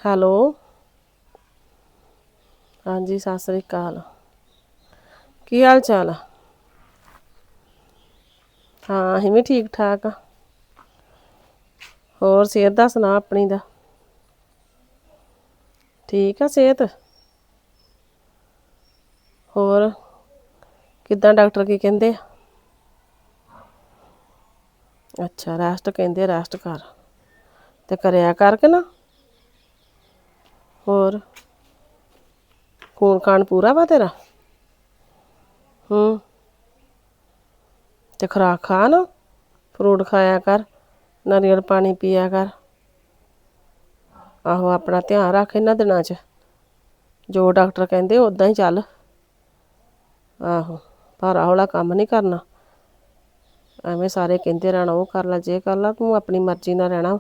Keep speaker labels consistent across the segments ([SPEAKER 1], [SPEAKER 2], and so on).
[SPEAKER 1] Hello. ਹਾਂਜੀ ਸਤਿ ਸ੍ਰੀ ਅਕਾਲ। ਕੀ ਹਾਲ ਚਾਲ ਆ? ਹਾਂ ਅਸੀਂ ਵੀ ਠੀਕ ਠਾਕ ਆ। ਹੋਰ ਸਿਹਤ ਦਾ ਸੁਣਾ ਆਪਣੀ ਦਾ? ਠੀਕ ਆ ਸਿਹਤ? ਹੋਰ ਕਿੱਦਾਂ ਡਾਕਟਰ ਕੀ ਕਹਿੰਦੇ ਆ? ਅੱਛਾ ਰੈਸਟ ਕਹਿੰਦੇ, ਰੈਸਟ ਕਰ ਤੇ ਕਰਿਆ ਕਰ ਕੇ ਨਾ। ਹੋਰ ਖੂਨ ਖਾਨ ਪੂਰਾ ਵਾ ਤੇਰਾ? ਤੇ ਖੁਰਾਕ ਖਾ ਨਾ, ਫਰੂਟ ਖਾਇਆ ਕਰ, ਨਾਰੀਅਲ ਪਾਣੀ ਪੀਆ ਕਰ। ਆਹੋ ਆਪਣਾ ਧਿਆਨ ਰੱਖ ਇਹਨਾਂ ਦਿਨਾਂ 'ਚ। ਜੋ ਡਾਕਟਰ ਕਹਿੰਦੇ ਉੱਦਾਂ ਹੀ ਚੱਲ। ਆਹੋ ਭਾਰਾ ਹੌਲਾ ਕੰਮ ਨਹੀਂ ਕਰਨਾ। ਐਵੇਂ ਸਾਰੇ ਕਹਿੰਦੇ ਰਹਿਣਾ ਉਹ ਕਰ ਲਾ ਜੇ ਕਰ ਲਾ, ਤੂੰ ਆਪਣੀ ਮਰਜ਼ੀ ਨਾਲ ਰਹਿਣਾ।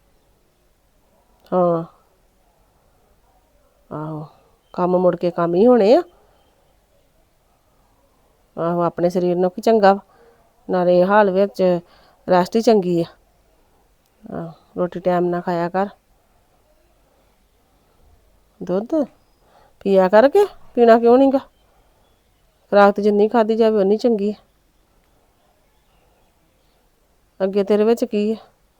[SPEAKER 1] ਹਾਂ ਆਹੋ ਕੰਮ ਮੁੜ ਕੇ ਕੰਮ ਹੀ ਹੋਣੇ ਆ। ਆਹੋ ਆਪਣੇ ਸਰੀਰ ਨੂੰ ਕੀ ਚੰਗਾ ਨਾਲੇ ਇਹ ਹਾਲ ਵਿੱਚ ਰੈਸਟ ਹੀ ਚੰਗੀ ਆ। ਆਹੋ ਰੋਟੀ ਟਾਈਮ ਨਾਲ ਖਾਇਆ ਕਰ। ਦੁੱਧ ਪੀਆ ਕਰਕੇ, ਪੀਣਾ ਕਿਉਂ ਨਹੀਂ ਗਾ? ਖੁਰਾਕ ਤੇ ਜਿੰਨੀ ਖਾਧੀ ਜਾਵੇ ਓਨੀ ਚੰਗੀ ਆ। ਅੱਗੇ ਤੇਰੇ ਵਿੱਚ ਕੀ ਆ?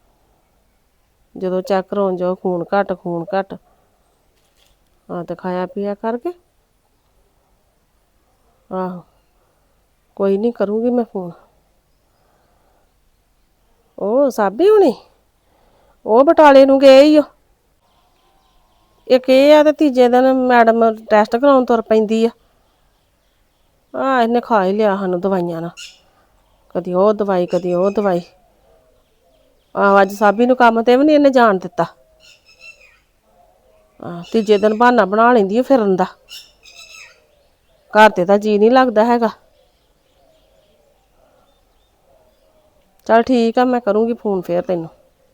[SPEAKER 1] ਜਦੋਂ ਚੈੱਕ ਕਰਾਉਣ ਜਾਓ ਖੂਨ ਘੱਟ ਖੂਨ ਘੱਟ। ਹਾਂ ਤੇ ਖਾਇਆ ਪੀਆ ਕਰਕੇ। ਆਹੋ ਕੋਈ ਨਹੀਂ ਕਰੂੰਗੀ ਮੈਂ ਫੋਨ। ਉਹ ਸਾਬੀ ਹੋਣੀ ਉਹ ਬਟਾਲੇ ਨੂੰ ਗਏ ਈ ਓ। ਇੱਕ ਇਹ ਆ ਤੇ ਤੀਜੇ ਦਿਨ ਮੈਡਮ ਟੈਸਟ ਕਰਾਉਣ ਤੁਰ ਪੈਂਦੀ ਆ। ਇਹਨੇ ਖਾ ਹੀ ਲਿਆ ਸਾਨੂੰ ਦਵਾਈਆਂ ਨਾਲ, ਕਦੀ ਉਹ ਦਵਾਈ ਕਦੀ ਉਹ ਦਵਾਈ। ਆਹੋ ਅੱਜ ਸਾਬੀ ਨੂੰ ਕੰਮ ਤੇ ਵੀ ਨਹੀਂ ਇਹਨੇ ਜਾਣ ਦਿੱਤਾ। ਤੀਜੇ ਦਿਨ ਬਹਾਨਾ ਬਣਾ ਲੈਂਦੀ ਆ ਫਿਰਨ ਦਾ। ਘਰ ਤੇ ਤਾਂ ਜੀਅ ਨਹੀਂ ਲੱਗਦਾ ਹੈਗਾ। ਚੱਲ ਠੀਕ ਆ ਮੈਂ ਕਰੂੰਗੀ ਫੋਨ ਫੇਰ ਤੈਨੂੰ।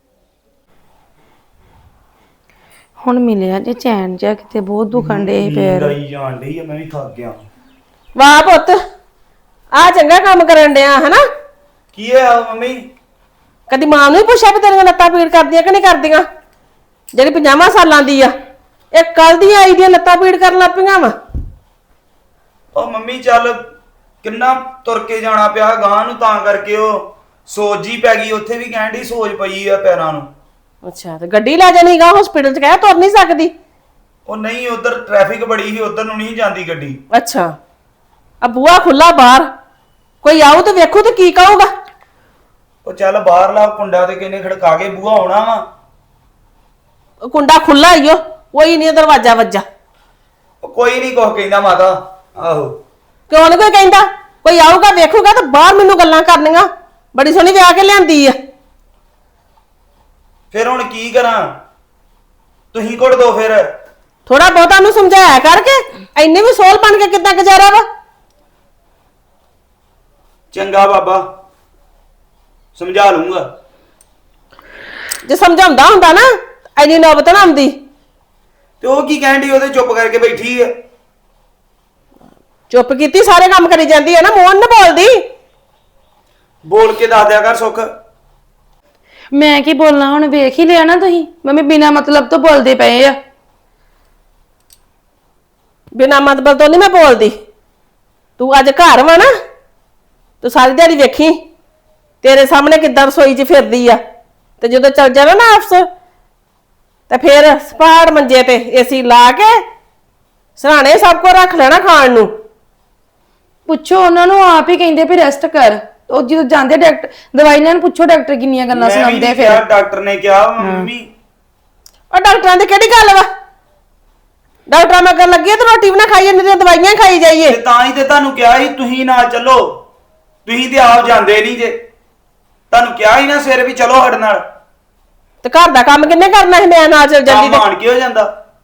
[SPEAKER 2] ਹੁਣ ਮਿਲਿਆ ਜੇ ਚੈਨ ਜਿਹਾ, ਕਿਤੇ ਬਹੁਤ ਦੁਖਣ ਡੇ ਪੈਰ।
[SPEAKER 3] ਆਈ ਜਾਣ ਡਈ ਆ, ਮੈਂ ਵੀ ਥੱਕ ਗਿਆ।
[SPEAKER 1] ਵਾਹ ਪੁੱਤ ਆ ਚੰਗਾ ਕੰਮ ਕਰਨ ਡਿਆ ਹਨਾ।
[SPEAKER 3] ਕੀ ਹੋਇਆ ਮੰਮੀ?
[SPEAKER 1] ਕਦੀ ਮਾਂ ਨੂੰ ਹੀ ਪੁੱਛਿਆ ਵੀ ਤੇਰੀਆਂ ਲੱਤਾਂ ਪੀੜ ਕਰਦੀਆਂ ਕਿ ਨਹੀਂ ਕਰਦੀਆਂ? ਜਿਹੜੀ 50 ਸਾਲਾਂ ਦੀ ਆ ਇਹ ਕੱਲ ਦੀ ਆਈ ਦੀਆਂ ਲੱਤਾਂ ਪੀੜ ਕਰਨ ਲੱਗ ਪਈਆਂ ਵਾ।
[SPEAKER 3] ਉਹ ਮੰਮੀ ਚੱਲ ਕਿੰਨਾ ਤੁਰ ਕੇ ਜਾਣਾ ਪਿਆ ਗਾਂ ਨੂੰ, ਤਾਂ ਕਰਕੇ ਉਹ ਸੋਜ ਹੀ ਪੈ ਗਈ। ਉੱਥੇ ਵੀ ਕਹਿਣ ਡਈ ਸੋਜ ਪਈ ਆ ਪੈਰਾਂ ਨੂੰ।
[SPEAKER 1] ਅੱਛਾ ਤੇ ਗੱਡੀ ਲੈ ਜਾਣੀ ਗਾ ਹਸਪੀਟਲ 'ਚ, ਕਹਿ ਤੁਰ ਨਹੀਂ ਸਕਦੀ?
[SPEAKER 3] ਉਹ ਨਹੀਂ ਉਧਰ ਟ੍ਰੈਫਿਕ ਬੜੀ ਸੀ, ਉਧਰ ਨੂੰ ਨਹੀਂ ਜਾਂਦੀ ਗੱਡੀ।
[SPEAKER 1] ਅੱਛਾ ਆ ਬੂਹਾ ਖੁੱਲਾ ਬਾਹਰ, ਕੋਈ ਆਊ ਤੇ ਵੇਖੂ ਤੇ ਕੀ ਕਹੂਗਾ?
[SPEAKER 3] ਉਹ ਚੱਲ ਬਾਹਰਲਾ ਕੁੰਡਾ ਤੇ ਕਿਨੇ ਖੜਕਾ ਕੇ ਬੂਹਾ ਆਉਣਾ ਵਾ।
[SPEAKER 1] ਕੁੰਡਾ ਖੁੱਲਾ ਹੀ ਓ, ਕੋਈ ਨਹੀਂ ਦਰਵਾਜ਼ਾ ਵੱਜਾ।
[SPEAKER 3] ਉਹ ਕੋਈ ਨਹੀਂ ਕੁਛ ਕਹਿੰਦਾ ਮਾਤਾ। ਆਹੋ
[SPEAKER 1] ਕਿਉਂ ਨੀ ਕੋਈ ਕਹਿੰਦਾ? ਕੋਈ ਆਊਗਾ ਵੇਖੂਗਾ ਤਾਂ ਬਾਹਰ ਮੈਨੂੰ ਗੱਲਾਂ ਕਰਨੀਆਂ। ਬੜੀ ਸੋਹਣੀ ਵਿਆਹ ਕੇ ਲਿਆਂਦੀ ਆ।
[SPEAKER 3] ਫਿਰ ਹੁਣ ਕੀ ਕਰਾਂ? ਤੁਸੀਂ ਘੁੱਟ ਦੋ ਫਿਰ।
[SPEAKER 1] ਥੋੜਾ ਬਹੁਤਾ ਨੂੰ ਸਮਝਾਇਆ ਕਰਕੇ, ਇੰਨੇ ਵੀ ਸੋਲ ਬਣ ਕੇ ਕਿੱਦਾਂ ਗੁਜ਼ਾਰਾ ਵਾ?
[SPEAKER 3] ਚੰਗਾ ਬਾਬਾ ਸਮਝਾ ਲੂੰਗਾ।
[SPEAKER 1] ਜੇ ਸਮਝਾਉਂਦਾ ਹੁੰਦਾ ਨਾ ਇੰਨੀ ਨੌਬਤ ਨਾ ਆਉਂਦੀ।
[SPEAKER 3] ਤੇ ਉਹ ਕੀ ਕਹਿਣ ਡਈ? ਉਹਦੇ ਚੁੱਪ ਕਰਕੇ ਬੈਠੀ ਆ।
[SPEAKER 1] ਚੁੱਪ ਕੀਤੀ ਸਾਰੇ ਕੰਮ ਕਰੀ ਜਾਂਦੀ ਹੈ ਨਾ, ਮੂੰਹ ਨਾ ਬੋਲਦੀ।
[SPEAKER 3] ਬੋਲ ਕੇ ਦੱਸ ਦਿਆ ਕਰ ਸੁੱਖ।
[SPEAKER 2] ਮੈਂ ਕੀ ਬੋਲਣਾ ਹੁਣ, ਵੇਖ ਹੀ ਲਿਆ ਨਾ ਤੁਸੀਂ ਮੰਮੀ ਬਿਨਾ ਮਤਲਬ ਤੋਂ ਬੋਲਦੇ ਪਏ ਆ।
[SPEAKER 1] ਬਿਨਾਂ ਮਤਲਬ ਤੋਂ ਨਹੀਂ ਮੈਂ ਬੋਲਦੀ। ਤੂੰ ਅੱਜ ਘਰ ਵਾ ਨਾ, ਤੂੰ ਸਾਰੀ ਦਿਹਾੜੀ ਵੇਖੀ ਤੇਰੇ ਸਾਹਮਣੇ ਕਿੱਦਾਂ ਰਸੋਈ 'ਚ ਫਿਰਦੀ ਆ। ਤੇ ਜਦੋਂ ਚੱਲ ਜਾਣਾ ਨਾ ਆਫਿਸ ਤੇ ਫਿਰ ਸਪਾੜ ਮੰਜੇ ਤੇ ਏਸੀ ਲਾ ਕੇ ਸਰਾਣੇ ਸਭ ਕੁਝ ਰੱਖ ਲੈਣਾ ਖਾਣ ਨੂੰ।
[SPEAKER 2] ਪੁੱਛੋ ਉਹਨਾਂ ਨੂੰ, ਆਪ ਹੀ ਕਹਿੰਦੇ ਵੀ ਰੈਸਟ ਕਰ। ਉਹ ਜਦੋਂ ਜਾਂਦੇ ਡਾਕਟਰ ਦਵਾਈ ਲੈਣ, ਪੁੱਛੋ ਡਾਕਟਰ ਕਿੰਨੀਆਂ ਗੱਲਾਂ ਸੁਣਾਉਂਦੇ ਫਿਰ।
[SPEAKER 3] ਡਾਕਟਰ ਨੇ ਕਿਹਾ ਮੰਮੀ।
[SPEAKER 1] ਉਹ ਡਾਕਟਰਾਂ ਦੀ ਕਿਹੜੀ ਗੱਲ ਵਾ? ਡਾਕਟਰਾਂ ਮਗਰ ਲੱਗੇ ਤੇ ਰੋਟੀ ਵੀ ਨਾ ਖਾਈਏ, ਨਹੀਂ ਤੇ ਦਵਾਈਆਂ ਖਾਈ ਜਾਈਏ।
[SPEAKER 3] ਤੇ ਤਾਂ ਹੀ ਤੇ ਤੁਹਾਨੂੰ ਕਿਹਾ ਸੀ ਤੁਸੀਂ ਨਾ ਚੱਲੋ। ਤੁਸੀਂ ਤੇ ਆਪ ਜਾਂਦੇ ਨਹੀਂ ਜੇ। ਤੁਹਾਨੂੰ ਕਿਹਾ ਸੀ ਨਾ ਸਵੇਰੇ ਵੀ ਚਲੋ ਸਾਡੇ ਨਾਲ।
[SPEAKER 1] ਤੇ ਘਰ ਦਾ ਕੰਮ ਕਿੰਨੇ ਕਰਨਾ ਸੀ? ਮੈਂ ਨਾਲ ਚੱਲ ਜਾਂਦੀ ਤੇ
[SPEAKER 3] ਮਾਣ ਕੇ ਹੋ ਜਾਂਦਾ।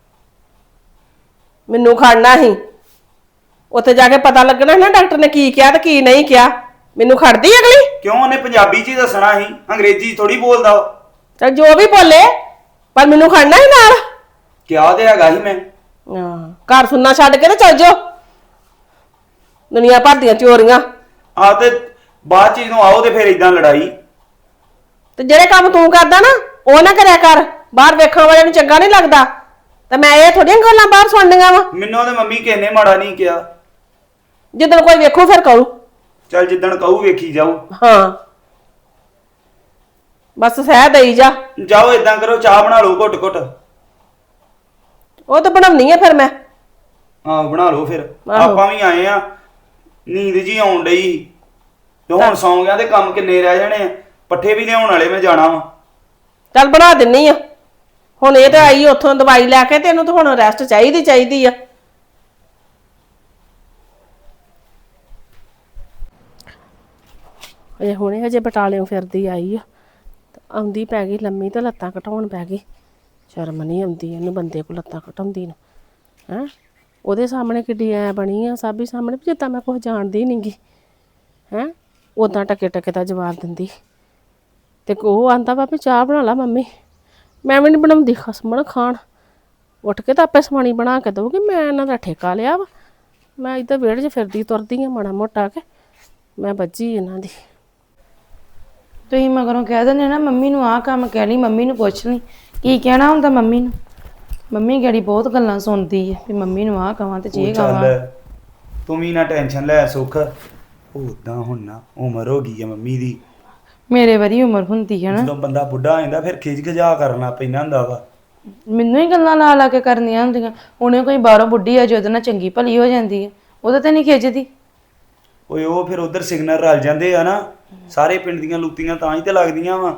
[SPEAKER 1] ਮੈਨੂੰ ਖੜਨਾ ਸੀ ਉੱਥੇ ਜਾ ਕੇ, ਪਤਾ ਲੱਗਣਾ ਨਾ ਡਾਕਟਰ ਨੇ ਕੀ ਕਿਹਾ ਤੇ ਕੀ ਨਹੀਂ ਕਿਹਾ। ਮੈਨੂੰ ਖੜਦੀ ਅਗਲੀ?
[SPEAKER 3] ਕਿਉਂ? ਉਹਨੇ ਪੰਜਾਬੀ 'ਚ ਹੀ ਦੱਸਣਾ ਸੀ, ਅੰਗਰੇਜ਼ੀ ਥੋੜੀ ਬੋਲਦਾ।
[SPEAKER 1] ਚੱਲ ਜੋ ਵੀ ਬੋਲੇ, ਪਰ ਮੈਨੂੰ ਖੜਨਾ ਹੀ ਨਾਲ।
[SPEAKER 3] ਕਿਹਾ ਤੇ ਹੈਗਾ ਸੀ ਮੈਂ।
[SPEAKER 1] ਘਰ ਸੁਣਨਾ ਛੱਡ ਕੇ ਤੇ ਚੱਲ ਜਾਓ। ਦੁਨੀਆ ਭਰ ਦੀਆਂ ਚੋਰੀਆਂ।
[SPEAKER 3] ਆ ਤੇ ਬਾਅਦ 'ਚ ਜਦੋਂ ਆਓ ਤੇ ਫਿਰ ਇਦਾਂ ਲੜਾਈ।
[SPEAKER 1] ਤੇ ਜਿਹੜੇ ਕੰਮ ਤੂੰ ਕਰਦਾ ਨਾ ਉਹ ਨਾ ਕਰਿਆ ਕਰ। ਬਾਹਰ ਵੇਖਣ ਵਾਲਿਆਂ ਨੂੰ ਚੰਗਾ ਨਹੀਂ ਲੱਗਦਾ। ਤੇ ਮੈਂ ਇਹ ਥੋੜੀਆਂ ਗੱਲਾਂ ਬਾਹਰ ਸੁਣਨੀਆਂ ਵਾ।
[SPEAKER 3] ਮੈਨੂੰ ਤੇ ਮੰਮੀ ਕਿਸੇ ਨੇ ਮਾੜਾ ਨਹੀਂ ਕਿਹਾ।
[SPEAKER 1] ਜਦੋਂ ਕੋਈ ਵੇਖੂ ਫਿਰ ਕਹੂ।
[SPEAKER 3] ਚੱਲ ਜਿੱਦਣ ਕਹੂ ਵੇਖੀ ਜਾਊ।
[SPEAKER 1] ਹਾਂ ਬਸ ਸਹਿ ਦੇਈ ਜਾ।
[SPEAKER 3] ਜਾਓ ਇਦਾਂ ਕਰੋ, ਚਾਹ ਬਣਾ ਲਓ ਘੁੱਟ ਘੁੱਟ।
[SPEAKER 1] ਉਹ ਤਾਂ ਬਣਾਉਣੀ ਆ ਫਿਰ ਮੈਂ।
[SPEAKER 3] ਹਾਂ ਬਣਾ ਲਓ ਫਿਰ।
[SPEAKER 1] ਆਹੋ।
[SPEAKER 3] ਆਪਾਂ ਵੀ ਆਏ ਆ, ਨੀਂਦ ਜੀ ਆਉਣ ਡਈ ਤੇ ਹੁਣ ਸੌਂ ਗਿਆ ਤੇ ਕੰਮ ਕਿੰਨੇ ਰਹਿ ਜਾਣੇ ਆ। ਪੱਠੇ ਵੀ ਲਿਆਉਣ ਵਾਲੇ, ਮੈਂ ਜਾਣਾ ਵਾ।
[SPEAKER 1] ਚੱਲ ਬਣਾ ਦਿੰਨੀ ਆ। ਹੁਣ ਇਹ ਤਾਂ ਆਈ ਉੱਥੋਂ ਦਵਾਈ ਲੈ ਕੇ, ਤੈਨੂੰ ਤਾਂ ਹੁਣ ਰੈਸਟ ਚਾਹੀਦੀ ਆ। ਇਹ ਹੁਣੇ ਹਜੇ ਬਟਾਲਿਓਂ ਫਿਰਦੀ ਆਈ ਆ, ਆਉਂਦੀ ਪੈ ਗਈ ਲੰਮੀ ਤੇ ਲੱਤਾਂ ਘਟਾਉਣ ਪੈ ਗਈ। ਸ਼ਰਮ ਨਹੀਂ ਆਉਂਦੀ ਇਹਨੂੰ ਬੰਦੇ ਕੋਲ ਲੱਤਾਂ ਘਟਾਉਂਦੀ ਨੂੰ। ਹੈਂ ਉਹਦੇ ਸਾਹਮਣੇ ਕਿੱਡੀ ਐ ਬਣੀ ਆ, ਸਾਬੀ ਸਾਹਮਣੇ ਵੀ ਜਿੱਦਾਂ ਮੈਂ ਕੁਝ ਜਾਣਦੀ ਨੀ ਗੀ। ਹੈਂ ਉਦਾਂ ਟਕੇ ਟਕੇ ਦਾ ਜਵਾਬ ਦਿੰਦੀ। ਤੇ ਉਹ ਆਂਦਾ ਵਾ ਵੀ ਚਾਹ ਬਣਾ ਲਾ ਮੰਮੀ। ਮੈਂ ਵੀ ਨਹੀਂ ਬਣਾਉਂਦੀ, ਖਸਮਣ ਖਾਣ। ਉੱਠ ਕੇ ਤਾਂ ਆਪੇ ਸਮਾਣੀ ਬਣਾ ਕੇ ਦਊਗੀ। ਮੈਂ ਇਹਨਾਂ ਦਾ ਠੇਕਾ ਲਿਆ ਵਾ। ਮੈਂ ਇੱਧਰ ਵਿਹੜੇ 'ਚ ਫਿਰਦੀ ਤੁਰਦੀ ਆ ਮਾੜਾ ਮੋਟਾ ਕੇ। ਮੈਂ ਬੱਝੀ ਇਹਨਾਂ ਦੀ।
[SPEAKER 2] ਤੁਸੀਂ ਮਗਰੋਂ ਕਹਿ ਦਿੰਦੇ ਨਾ ਮੰਮੀ ਨੂੰ ਆਹ ਕੰਮ ਕਹਿ ਲਈ, ਮੰਮੀ ਨੂੰ ਪੁੱਛ ਲਈ। ਕੀ ਕਹਿਣਾ ਹੁੰਦਾ ਮੰਮੀ ਨੂੰ? ਮੰਮੀ ਗੜੀ ਬਹੁਤ ਗੱਲਾਂ ਸੁਣਦੀ ਹੈ ਵੀ ਮੰਮੀ ਨੂੰ ਆਹ ਕਵਾਂ ਤੇ ਜੇ ਕਵਾਂ।
[SPEAKER 3] ਚੱਲ ਤੂੰ ਵੀ ਨਾ ਟੈਨਸ਼ਨ ਲੈ ਸੁੱਖ। ਉਦਾਂ ਹੁਣ ਨਾ ਉਮਰ ਹੋ ਗਈ ਆ ਮੰਮੀ ਦੀ।
[SPEAKER 2] ਮੇਰੇ ਵਾਰੀ ਉਮਰ ਹੁੰਦੀ ਹੈ ਨਾ,
[SPEAKER 3] ਜਦੋਂ ਬੰਦਾ ਬੁੱਢਾ ਹੋ ਜਾਂਦਾ ਫਿਰ ਖਿਜ ਖਜਾ ਕਰਨਾ ਪੈਂਦਾ ਹੁੰਦਾ ਵਾ।
[SPEAKER 2] ਮੈਨੂੰ ਹੀ ਗੱਲਾਂ ਲਾ ਲਾ ਕੇ ਕਰਨੀਆਂ ਹੁੰਦੀਆਂ। ਉਹਨੇ ਕੋਈ ਬਾਹਰੋਂ ਬੁੱਢੀ ਆ ਜੇ ਉਹਦੇ ਨਾਲ ਚੰਗੀ ਭਲੀ ਹੋ ਜਾਂਦੀ ਹੈ, ਉਹਦੇ ਤੇ ਨਹੀਂ ਖਿੱਚਦੀ।
[SPEAKER 3] ਓਏ ਉਹ ਫਿਰ ਉਧਰ ਸਿਗਨਲ ਰਲ ਜਾਂਦੇ ਆ ਨਾ, ਸਾਰੇ ਪਿੰਡ ਦੀਆਂ ਲੂਤੀਆਂ ਤਾਂ ਹੀ ਤੇ ਲੱਗਦੀਆਂ ਵਾ।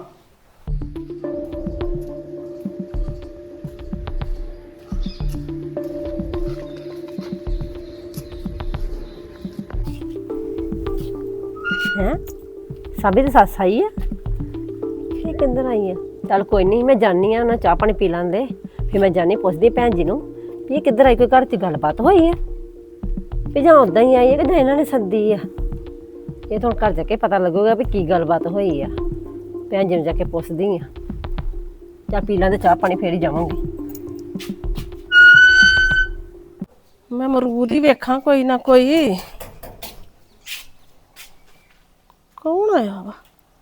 [SPEAKER 4] ਹੈ ਸਾਬੀ ਦੀ ਸੱਸ ਆਈ ਆ? ਇਹ ਕਿੰਦਰ ਆਈ ਆ? ਚੱਲ ਕੋਈ ਨਹੀਂ, ਮੈਂ ਜਾਣੀ ਆ, ਉਹਨਾਂ ਚਾਹ ਪਾਣੀ ਪੀ ਲਾਂਦੇ, ਫਿਰ ਮੈਂ ਜਾਣੀ ਪੁੱਛਦੀ ਭੈਣ ਜੀ ਨੂੰ ਵੀ ਇਹ ਕਿੱਧਰ ਆਈ, ਕੋਈ ਘਰ 'ਚ ਗੱਲਬਾਤ ਹੋਈ ਹੈ ਵੀ ਜਾਂ ਉਦਾਂ ਹੀ ਆਈ ਹੈ ਕਿ ਜਾਂ ਇਹਨਾਂ ਨੇ ਸੱਦੀ ਆ। ਇਹ ਤਾਂ ਹੁਣ ਘਰ ਜਾ ਕੇ ਪਤਾ ਲੱਗੂਗਾ ਵੀ ਕੀ ਗੱਲਬਾਤ ਹੋਈ ਆ। ਭੈਣ ਜੀ ਨੂੰ ਜਾ ਕੇ ਪੁੱਛਦੀ ਆ। ਚਾਹ ਪੀ ਲਾਂਦੇ ਚਾਹ ਪਾਣੀ, ਫੇਰ ਹੀ ਜਾਵਾਂਗੀ।
[SPEAKER 1] ਮੈਂ ਅਮਰੂਦ ਹੀ ਵੇਖਾਂ ਕੋਈ ਨਾ ਕੋਈ। ਕੌਣ ਆਇਆ ਵਾ?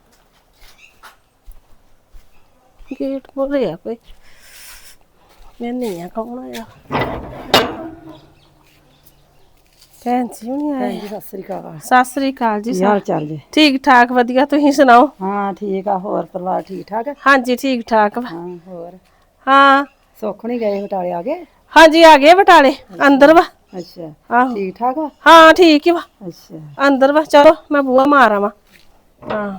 [SPEAKER 1] ਗੇਟ ਖੋਲ੍ਹਿਆ ਕੋਈ। ਮੈਂ ਨਹੀਂ ਆ, ਕੌਣ ਆਇਆ? ਭੈਣ ਜੀ ਨਹੀਂ ਆਏ?
[SPEAKER 5] ਸਤਿ ਸ੍ਰੀ ਅਕਾਲ।
[SPEAKER 1] ਸਤਿ ਸ੍ਰੀ ਅਕਾਲ ਜੀ।
[SPEAKER 5] ਕੀ ਹਾਲ ਚਾਲ ਜੀ?
[SPEAKER 1] ਠੀਕ ਠਾਕ ਵਧੀਆ, ਤੁਸੀਂ ਸੁਣਾਓ?
[SPEAKER 5] ਹਾਂ ਠੀਕ ਆ। ਹੋਰ ਪਰਿਵਾਰ ਠੀਕ ਠਾਕ ਹੈ?
[SPEAKER 1] ਹਾਂਜੀ ਠੀਕ ਠਾਕ ਵਾ।
[SPEAKER 5] ਹਾਂ ਹੋਰ
[SPEAKER 1] ਹਾਂ
[SPEAKER 5] ਸੁੱਖ ਨਹੀਂ ਗਏ ਬਟਾਲੇ ਆ ਗਏ?
[SPEAKER 1] ਹਾਂਜੀ ਆ ਗਏ ਬਟਾਲੇ, ਅੰਦਰ ਵਾ।
[SPEAKER 5] ਅੱਛਾ
[SPEAKER 1] ਆਹੋ
[SPEAKER 5] ਠੀਕ ਠਾਕ ਵਾ?
[SPEAKER 1] ਹਾਂ ਠੀਕ ਹੀ ਵਾ,
[SPEAKER 5] ਅੱਛਾ
[SPEAKER 1] ਅੰਦਰ ਵਾ। ਚਲੋ ਮੈਂ ਬੂਹਾ ਮਾਰ ਆਵਾਂ। ਹਾਂ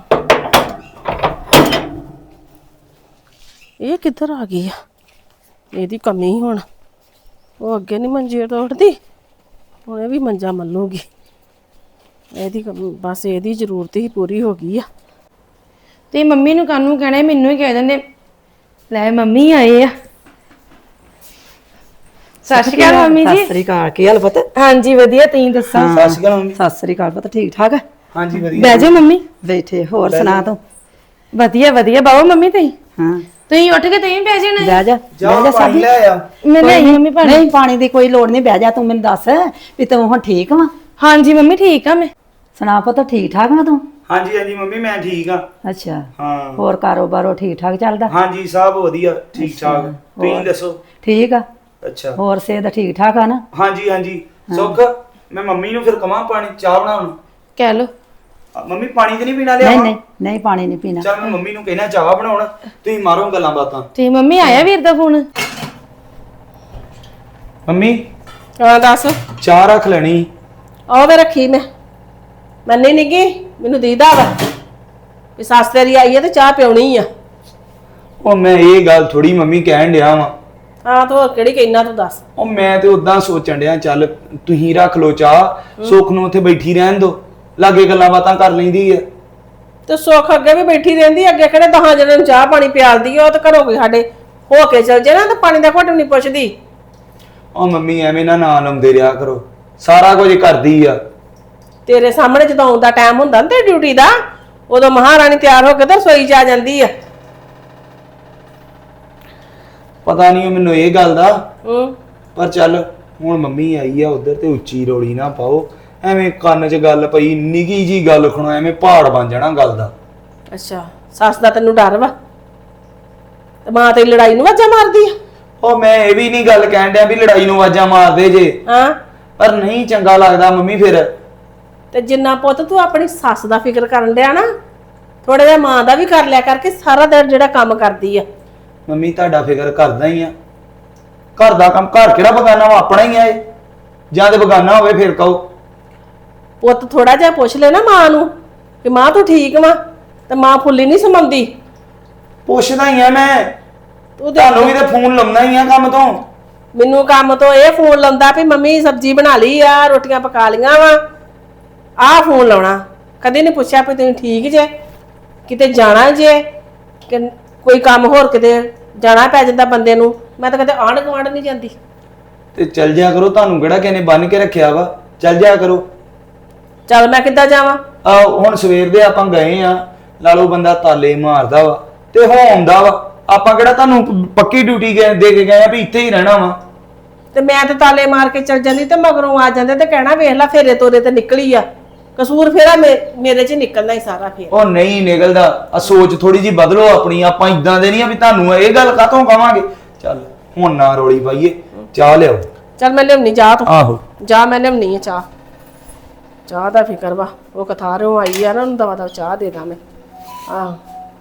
[SPEAKER 1] ਇਹ ਕਿੱਧਰ ਆ ਗਈ ਆ? ਇਹਦੀ ਕਮੀ ਹੁਣ। ਉਹ ਅੱਗੇ ਨਹੀਂ ਮੰਜੇ ਤੋਂ ਉੱਠਦੀ, ਹੁਣ ਇਹ ਵੀ ਮੰਜਾ ਮੱਲੂਗੀ। ਇਹਦੀ ਬਸ ਇਹਦੀ ਜ਼ਰੂਰਤ ਹੀ ਪੂਰੀ ਹੋ ਗਈ ਆ।
[SPEAKER 2] ਤੇ ਮੰਮੀ ਨੂੰ ਕਾਹਨੂੰ ਕਹਿਣਾ, ਮੈਨੂੰ ਹੀ ਕਹਿ ਦਿੰਦੇ ਲੈ ਮੰਮੀ ਆਏ ਆ। ਸਤਿ ਸ਼੍ਰੀ ਅਕਾਲ ਮੰਮੀ
[SPEAKER 5] ਸਤਿ
[SPEAKER 2] ਜੀ।
[SPEAKER 5] ਸ੍ਰੀ ਅਕਾਲ। ਕੀ ਹਾਲ ਪੁੱਤ?
[SPEAKER 2] ਹਾਂਜੀ ਵਧੀਆ, ਤੁਸੀਂ ਦੱਸੋ?
[SPEAKER 3] ਸਤਿ ਸ਼੍ਰੀ ਅਕਾਲ ਮੰਮੀ।
[SPEAKER 5] ਸਤਿ ਸ੍ਰੀ ਅਕਾਲ ਪੁੱਤ। ਠੀਕ ਠਾਕ ਹੈ?
[SPEAKER 3] ਹਾਂਜੀ ਵਧੀਆ।
[SPEAKER 2] ਬਹਿ ਜਾਓ ਮੰਮੀ।
[SPEAKER 5] ਬੈਠੇ। ਹੋਰ ਸੁਣਾ ਤੂੰ?
[SPEAKER 2] ਵਧੀਆ ਵਧੀਆ। ਬਾਬਾ ਮੰਮੀ ਤੁਸੀਂ
[SPEAKER 5] ਹਾਂ
[SPEAKER 2] ਤੁਸੀਂ ਉੱਠ ਕੇ ਤੁਸੀਂ ਬਹਿ ਜਾਣਾ।
[SPEAKER 5] ਬਹਿ ਜਾ
[SPEAKER 3] ਜਾ
[SPEAKER 5] ਬਹਿ ਜਾ
[SPEAKER 3] ਪਾਣੀ
[SPEAKER 5] ਸਾਬੀ।
[SPEAKER 3] ਲੈ ਆ।
[SPEAKER 2] ਮੈਂ ਲਈ ਮੰਮੀ ਪਾਣੀ।
[SPEAKER 5] ਨਹੀਂ ਪਾਣੀ ਦੀ ਕੋਈ ਲੋੜ ਨਹੀਂ, ਬਹਿ ਜਾ। ਤੂੰ ਮੈਨੂੰ ਦੱਸ ਵੀ ਤੂੰ ਹੁਣ ਠੀਕ ਵਾ?
[SPEAKER 2] ਹਾਂਜੀ ਮੰਮੀ ਠੀਕ ਆ ਮੈਂ।
[SPEAKER 5] ਸੁਣਾ ਪੁੱਤ ਠੀਕ ਠਾਕ ਵਾ ਤੂੰ?
[SPEAKER 3] ਹਾਂਜੀ ਹਾਂਜੀ ਮੰਮੀ ਮੈਂ ਠੀਕ ਆ।
[SPEAKER 5] ਅੱਛਾ
[SPEAKER 3] ਹਾਂ
[SPEAKER 5] ਹੋਰ ਕਾਰੋਬਾਰੋ ਠੀਕ ਠਾਕ ਚੱਲਦਾ?
[SPEAKER 3] ਹਾਂਜੀ ਸਭ ਵਧੀਆ ਠੀਕ ਠਾਕ। ਤੁਸੀਂ ਦੱਸੋ?
[SPEAKER 5] ਠੀਕ ਆ।
[SPEAKER 3] ਅੱਛਾ
[SPEAKER 5] ਹੋਰ ਸਿਹਤ ਠੀਕ ਠਾਕ ਆ ਨਾ?
[SPEAKER 3] ਹਾਂਜੀ ਹਾਂਜੀ। ਸੁੱਖ ਮੈਂ ਮੰਮੀ ਨੂੰ ਫਿਰ ਕਵਾਂ ਪਾਣੀ ਚਾਹ ਬਣਾਉਣ ਨੂੰ?
[SPEAKER 2] ਕਹਿ ਲੋ।
[SPEAKER 3] ਮੰਮੀ ਪਾਣੀ ਤੇ ਨਹੀਂ ਪੀਣਾ ਲਿਆ?
[SPEAKER 5] ਨਹੀਂ ਨਹੀਂ ਨਹੀਂ ਪਾਣੀ ਨਹੀਂ ਪੀਣਾ।
[SPEAKER 3] ਚੱਲ ਮੈਂ ਮੰਮੀ ਨੂੰ ਕਹਿਣਾ ਚਾਹ ਬਣਾਉਣ, ਤੁਸੀਂ ਮਾਰੋ ਗੱਲਾਂ ਬਾਤਾਂ।
[SPEAKER 2] ਤੇ ਮੰਮੀ ਆਇਆ ਵੀਰ ਦਾ ਫੋਨ?
[SPEAKER 3] ਮੰਮੀ
[SPEAKER 1] ਹਾਂ ਦੱਸ।
[SPEAKER 3] ਚਾਹ ਰੱਖ ਲੈਣੀ।
[SPEAKER 1] ਉਹ ਵੇ ਰੱਖੀ ਮੈਂ ਮੰਨੀ ਨੀ ਗੀ, ਮੈਨੂੰ ਦੀਦਾ ਵਾ ਵੀ ਸੱਸ ਤੇਰੀ ਆਈ ਹੈ ਤੇ ਚਾਹ ਪਿਉਣੀ ਆ।
[SPEAKER 3] ਉਹ ਮੈਂ ਇਹ ਗੱਲ ਥੋੜੀ ਮੰਮੀ ਕਹਿਣ ਡਿਆ ਵਾਂ।
[SPEAKER 1] ਹਾਂ ਤੂੰ ਹੋਰ ਕਿਹੜੀ ਕਹਿਣਾ, ਤੂੰ ਦੱਸ।
[SPEAKER 3] ਉਹ ਮੈਂ ਤੇ ਉਦਾਂ ਸੋਚਣ ਡਿਆ ਚੱਲ ਤੁਸੀਂ ਰੱਖ ਲੋ ਚਾਹ, ਸੁੱਖ ਨੂੰ ਉੱਥੇ ਬੈਠੀ ਰਹਿਣ ਦੋ, ਲਾਗੇ ਗੱਲਾਂ ਬਾਤਾਂ ਕਰ ਲੈਂਦੀ ਆ।
[SPEAKER 1] ਤੇ ਸੁੱਖ ਅੱਗੇ ਵੀ ਬੈਠੀ ਰਹਿੰਦੀ, ਅੱਗੇ ਕਿਹੜੇ 10 ਜਣਿਆਂ ਨੂੰ ਚਾਹ ਪਾਣੀ ਪਿਆਲਦੀ ਆ। ਉਹ ਤਾਂ ਘਰੋਂ ਕੋਈ ਸਾਡੇ ਹੋ ਕੇ ਚਲ ਜੇ ਨਾ ਤੇ ਪਾਣੀ ਦਾ ਘੁੱਟ ਨਹੀਂ ਪੁੱਛਦੀ।
[SPEAKER 3] ਉਹ ਮੰਮੀ ਐਵੇਂ ਨਾ ਲਾਉਂਦੇ ਰਿਹਾ ਕਰੋ, ਸਾਰਾ ਕੁਝ ਕਰਦੀ ਆ।
[SPEAKER 1] ਤੇਰੇ ਸਾਹਮਣੇ ਜਦੋਂ ਆਉਂਦਾ ਟਾਈਮ ਹੁੰਦਾ ਨਾ ਤੇ ਡਿਊਟੀ ਦਾ, ਉਦੋਂ ਮਹਾਰਾਣੀ ਤਿਆਰ ਹੋ ਕੇ ਤੇ ਰਸੋਈ 'ਚ ਆ ਜਾਂਦੀ ਆ।
[SPEAKER 3] ਪਤਾ ਨਹੀਂ ਮੈਨੂੰ ਇਹ ਗੱਲ ਦਾ,
[SPEAKER 1] ਹੂੰ
[SPEAKER 3] ਪਰ ਚੱਲ ਹੁਣ ਮੰਮੀ ਆਈ ਆ ਉਧਰ ਤੇ ਉੱਚੀ ਰੋਲੀ ਨਾ ਪਾਓ। ਐਵੇਂ ਕੰਨ 'ਚ ਗੱਲ ਪਈ, ਨਿੱਕੀ ਜੀ ਗੱਲ ਖਣੋ, ਐਵੇਂ ਪਹਾੜ ਬਣ ਜਾਣਾ ਗੱਲ ਦਾ।
[SPEAKER 1] ਅੱਛਾ ਸੱਸ ਦਾ ਤੈਨੂੰ ਡਰ ਵਾ ਤੇ ਮਾਂ ਤੇਰੀ ਲੜਾਈ ਨੂੰ ਵਾਜਾ ਮਾਰਦੀ ਆ?
[SPEAKER 3] ਉਹ ਮੈਂ ਇਹ ਵੀ ਨਹੀਂ ਗੱਲ ਕਹਿਣ ਡਿਆ ਵੀ ਲੜਾਈ ਨੂੰ ਆਵਾਜ਼ਾਂ ਮਾਰਦੇ ਜੇ,
[SPEAKER 1] ਹਾਂ
[SPEAKER 3] ਪਰ ਨਹੀਂ ਚੰਗਾ ਲੱਗਦਾ ਮੰਮੀ ਫਿਰ।
[SPEAKER 1] ਤੇ ਜਿੰਨਾ ਪੁੱਤ ਤੂੰ ਆਪਣੀ ਸੱਸ ਦਾ ਫਿਕਰ ਕਰਨ ਡਿਆ ਨਾ, ਥੋੜਾ ਜਿਹਾ ਮਾਂ ਦਾ ਵੀ ਕਰ ਲਿਆ ਕਰਕੇ। ਸਾਰਾ ਦਿਨ ਜਿਹੜਾ ਕੰਮ ਕਰਦੀ ਆ।
[SPEAKER 3] ਮੰਮੀ ਤੁਹਾਡਾ ਫਿਕਰ ਕਰਦਾ ਹੀ ਆ, ਘਰ ਦਾ ਕੰਮ, ਘਰ ਕਿਹੜਾ ਬਗਾਨਾ ਵਾ, ਆਪਣਾ ਹੀ ਆ ਇਹ। ਜਾਂ ਤੇ ਬਗਾਨਾ ਹੋਵੇ ਫਿਰ ਕਹੋ।
[SPEAKER 1] ਪੁੱਤ ਥੋੜਾ ਜਿਹਾ ਪੁੱਛ ਲੈ ਨਾ ਮਾਂ ਨੂੰ ਕਿ ਮਾਂ ਤੂੰ ਠੀਕ ਵਾ, ਤੇ ਮਾਂ ਫੁੱਲੀ ਨਹੀਂ ਸਮਾਉਂਦੀ।
[SPEAKER 3] ਪੁੱਛਦਾ ਹੀ ਆ ਮੈਂ,
[SPEAKER 1] ਤੂੰ
[SPEAKER 3] ਤੁਹਾਨੂੰ ਵੀ ਤੇ ਫੋਨ ਲਾਉਣਾ ਹੀ ਆ ਕੰਮ ਤੋਂ।
[SPEAKER 1] ਮੈਨੂੰ ਕੰਮ ਤੋਂ ਇਹ ਫੋਨ ਲਾਉਂਦਾ ਵੀ ਮੰਮੀ ਸਬਜ਼ੀ ਬਣਾ ਲਈ ਆ, ਰੋਟੀਆਂ ਪਕਾ ਲੀਆਂ ਵਾ, ਆਹ ਫੋਨ ਲਾਉਣਾ। ਕਦੇ ਨਹੀਂ ਪੁੱਛਿਆ ਵੀ ਤੁਸੀਂ ਠੀਕ ਜੇ, ਕਿਤੇ ਜਾਣਾ ਜੇ, ਕਿ ਕੋਈ ਕੰਮ ਹੋਰ ਕਿਤੇ ਜਾਣਾ ਪੈ ਜਾਂਦਾ ਬੰਦੇ ਨੂੰ। ਮੈਂ ਤਾਂ ਕਦੇ ਆਂਢ ਗੁਆਂਢ ਨਹੀਂ ਜਾਂਦੀ।
[SPEAKER 3] ਤੇ ਚੱਲ ਜਾ ਕਰੋ, ਤੁਹਾਨੂੰ ਕਿਹੜਾ ਕਿਸੇ ਨੇ ਬੰਨ ਕੇ ਰੱਖਿਆ ਵਾ, ਚੱਲ ਜਾ ਕਰੋ।
[SPEAKER 1] ਚੱਲ ਮੈਂ ਕਿੱਦਾਂ ਜਾਵਾਂ?
[SPEAKER 3] ਆ ਹੁਣ ਸਵੇਰ ਦੇ ਆਪਾਂ ਗਏ ਆ, ਲਾਲੋ ਬੰਦਾ ਤਾਲੇ ਮਾਰਦਾ ਵਾ ਤੇ ਹੋ ਆਉਂਦਾ ਵਾ। ਆਪਾਂ ਕਿਹੜਾ ਤੁਹਾਨੂੰ ਪੱਕੀ ਡਿਊਟੀ ਦੇ ਕੇ ਗਏ ਆ ਵੀ ਇੱਥੇ ਹੀ ਰਹਿਣਾ ਵਾ।
[SPEAKER 1] ਤੇ ਮੈਂ ਤੇ ਤਾਲੇ ਮਾਰ ਕੇ ਚੱਲ ਜਾਂਦੀ ਤੇ ਮਗਰੋਂ ਆ ਜਾਂਦੇ ਤੇ ਕਹਿਣਾ ਵੇਖ ਲੈ ਫੇਰੇ ਤੋਰੇ ਤੇ ਨਿਕਲੀ ਆ। ਕਸੂਰ ਫੇਰਾ ਮੇਰੇ 'ਚ ਨਿਕਲਦਾ ਹੀ ਸਾਰਾ ਫੇਰ।
[SPEAKER 3] ਉਹ ਨਹੀਂ ਨਿਕਲਦਾ, ਆ ਸੋਚ ਥੋੜੀ ਜੀ ਬਦਲੋ ਆਪਣੀ। ਆਪਾਂ ਇਦਾਂ ਦੇ ਨਹੀਂ ਆ ਵੀ ਤੁਹਾਨੂੰ ਇਹ ਗੱਲ ਕਾਹਤੋਂ ਕਵਾਂਗੇ। ਚੱਲ ਹੁਣ ਨਾ ਰੋਲੀ ਪਾਈਏ, ਚਾਹ ਲਿਆਓ।
[SPEAKER 1] ਚੱਲ ਮੈਂ ਲਿਆਉਣੀ ਜਾ ਤੂੰ।
[SPEAKER 3] ਆਹੋ
[SPEAKER 1] ਜਾ ਮੈਂ ਲਿਆਉਣੀ ਆ ਚਾਹ। ਚਾਹ ਦਾ ਫਿਕਰ ਵਾ, ਉਹ ਕਥਾਰੋਂ ਆਈ ਆ ਨਾ, ਉਹਨੂੰ ਦਵਾ ਚਾਹ ਦੇ ਦਾਂ ਮੈਂ। ਆਹ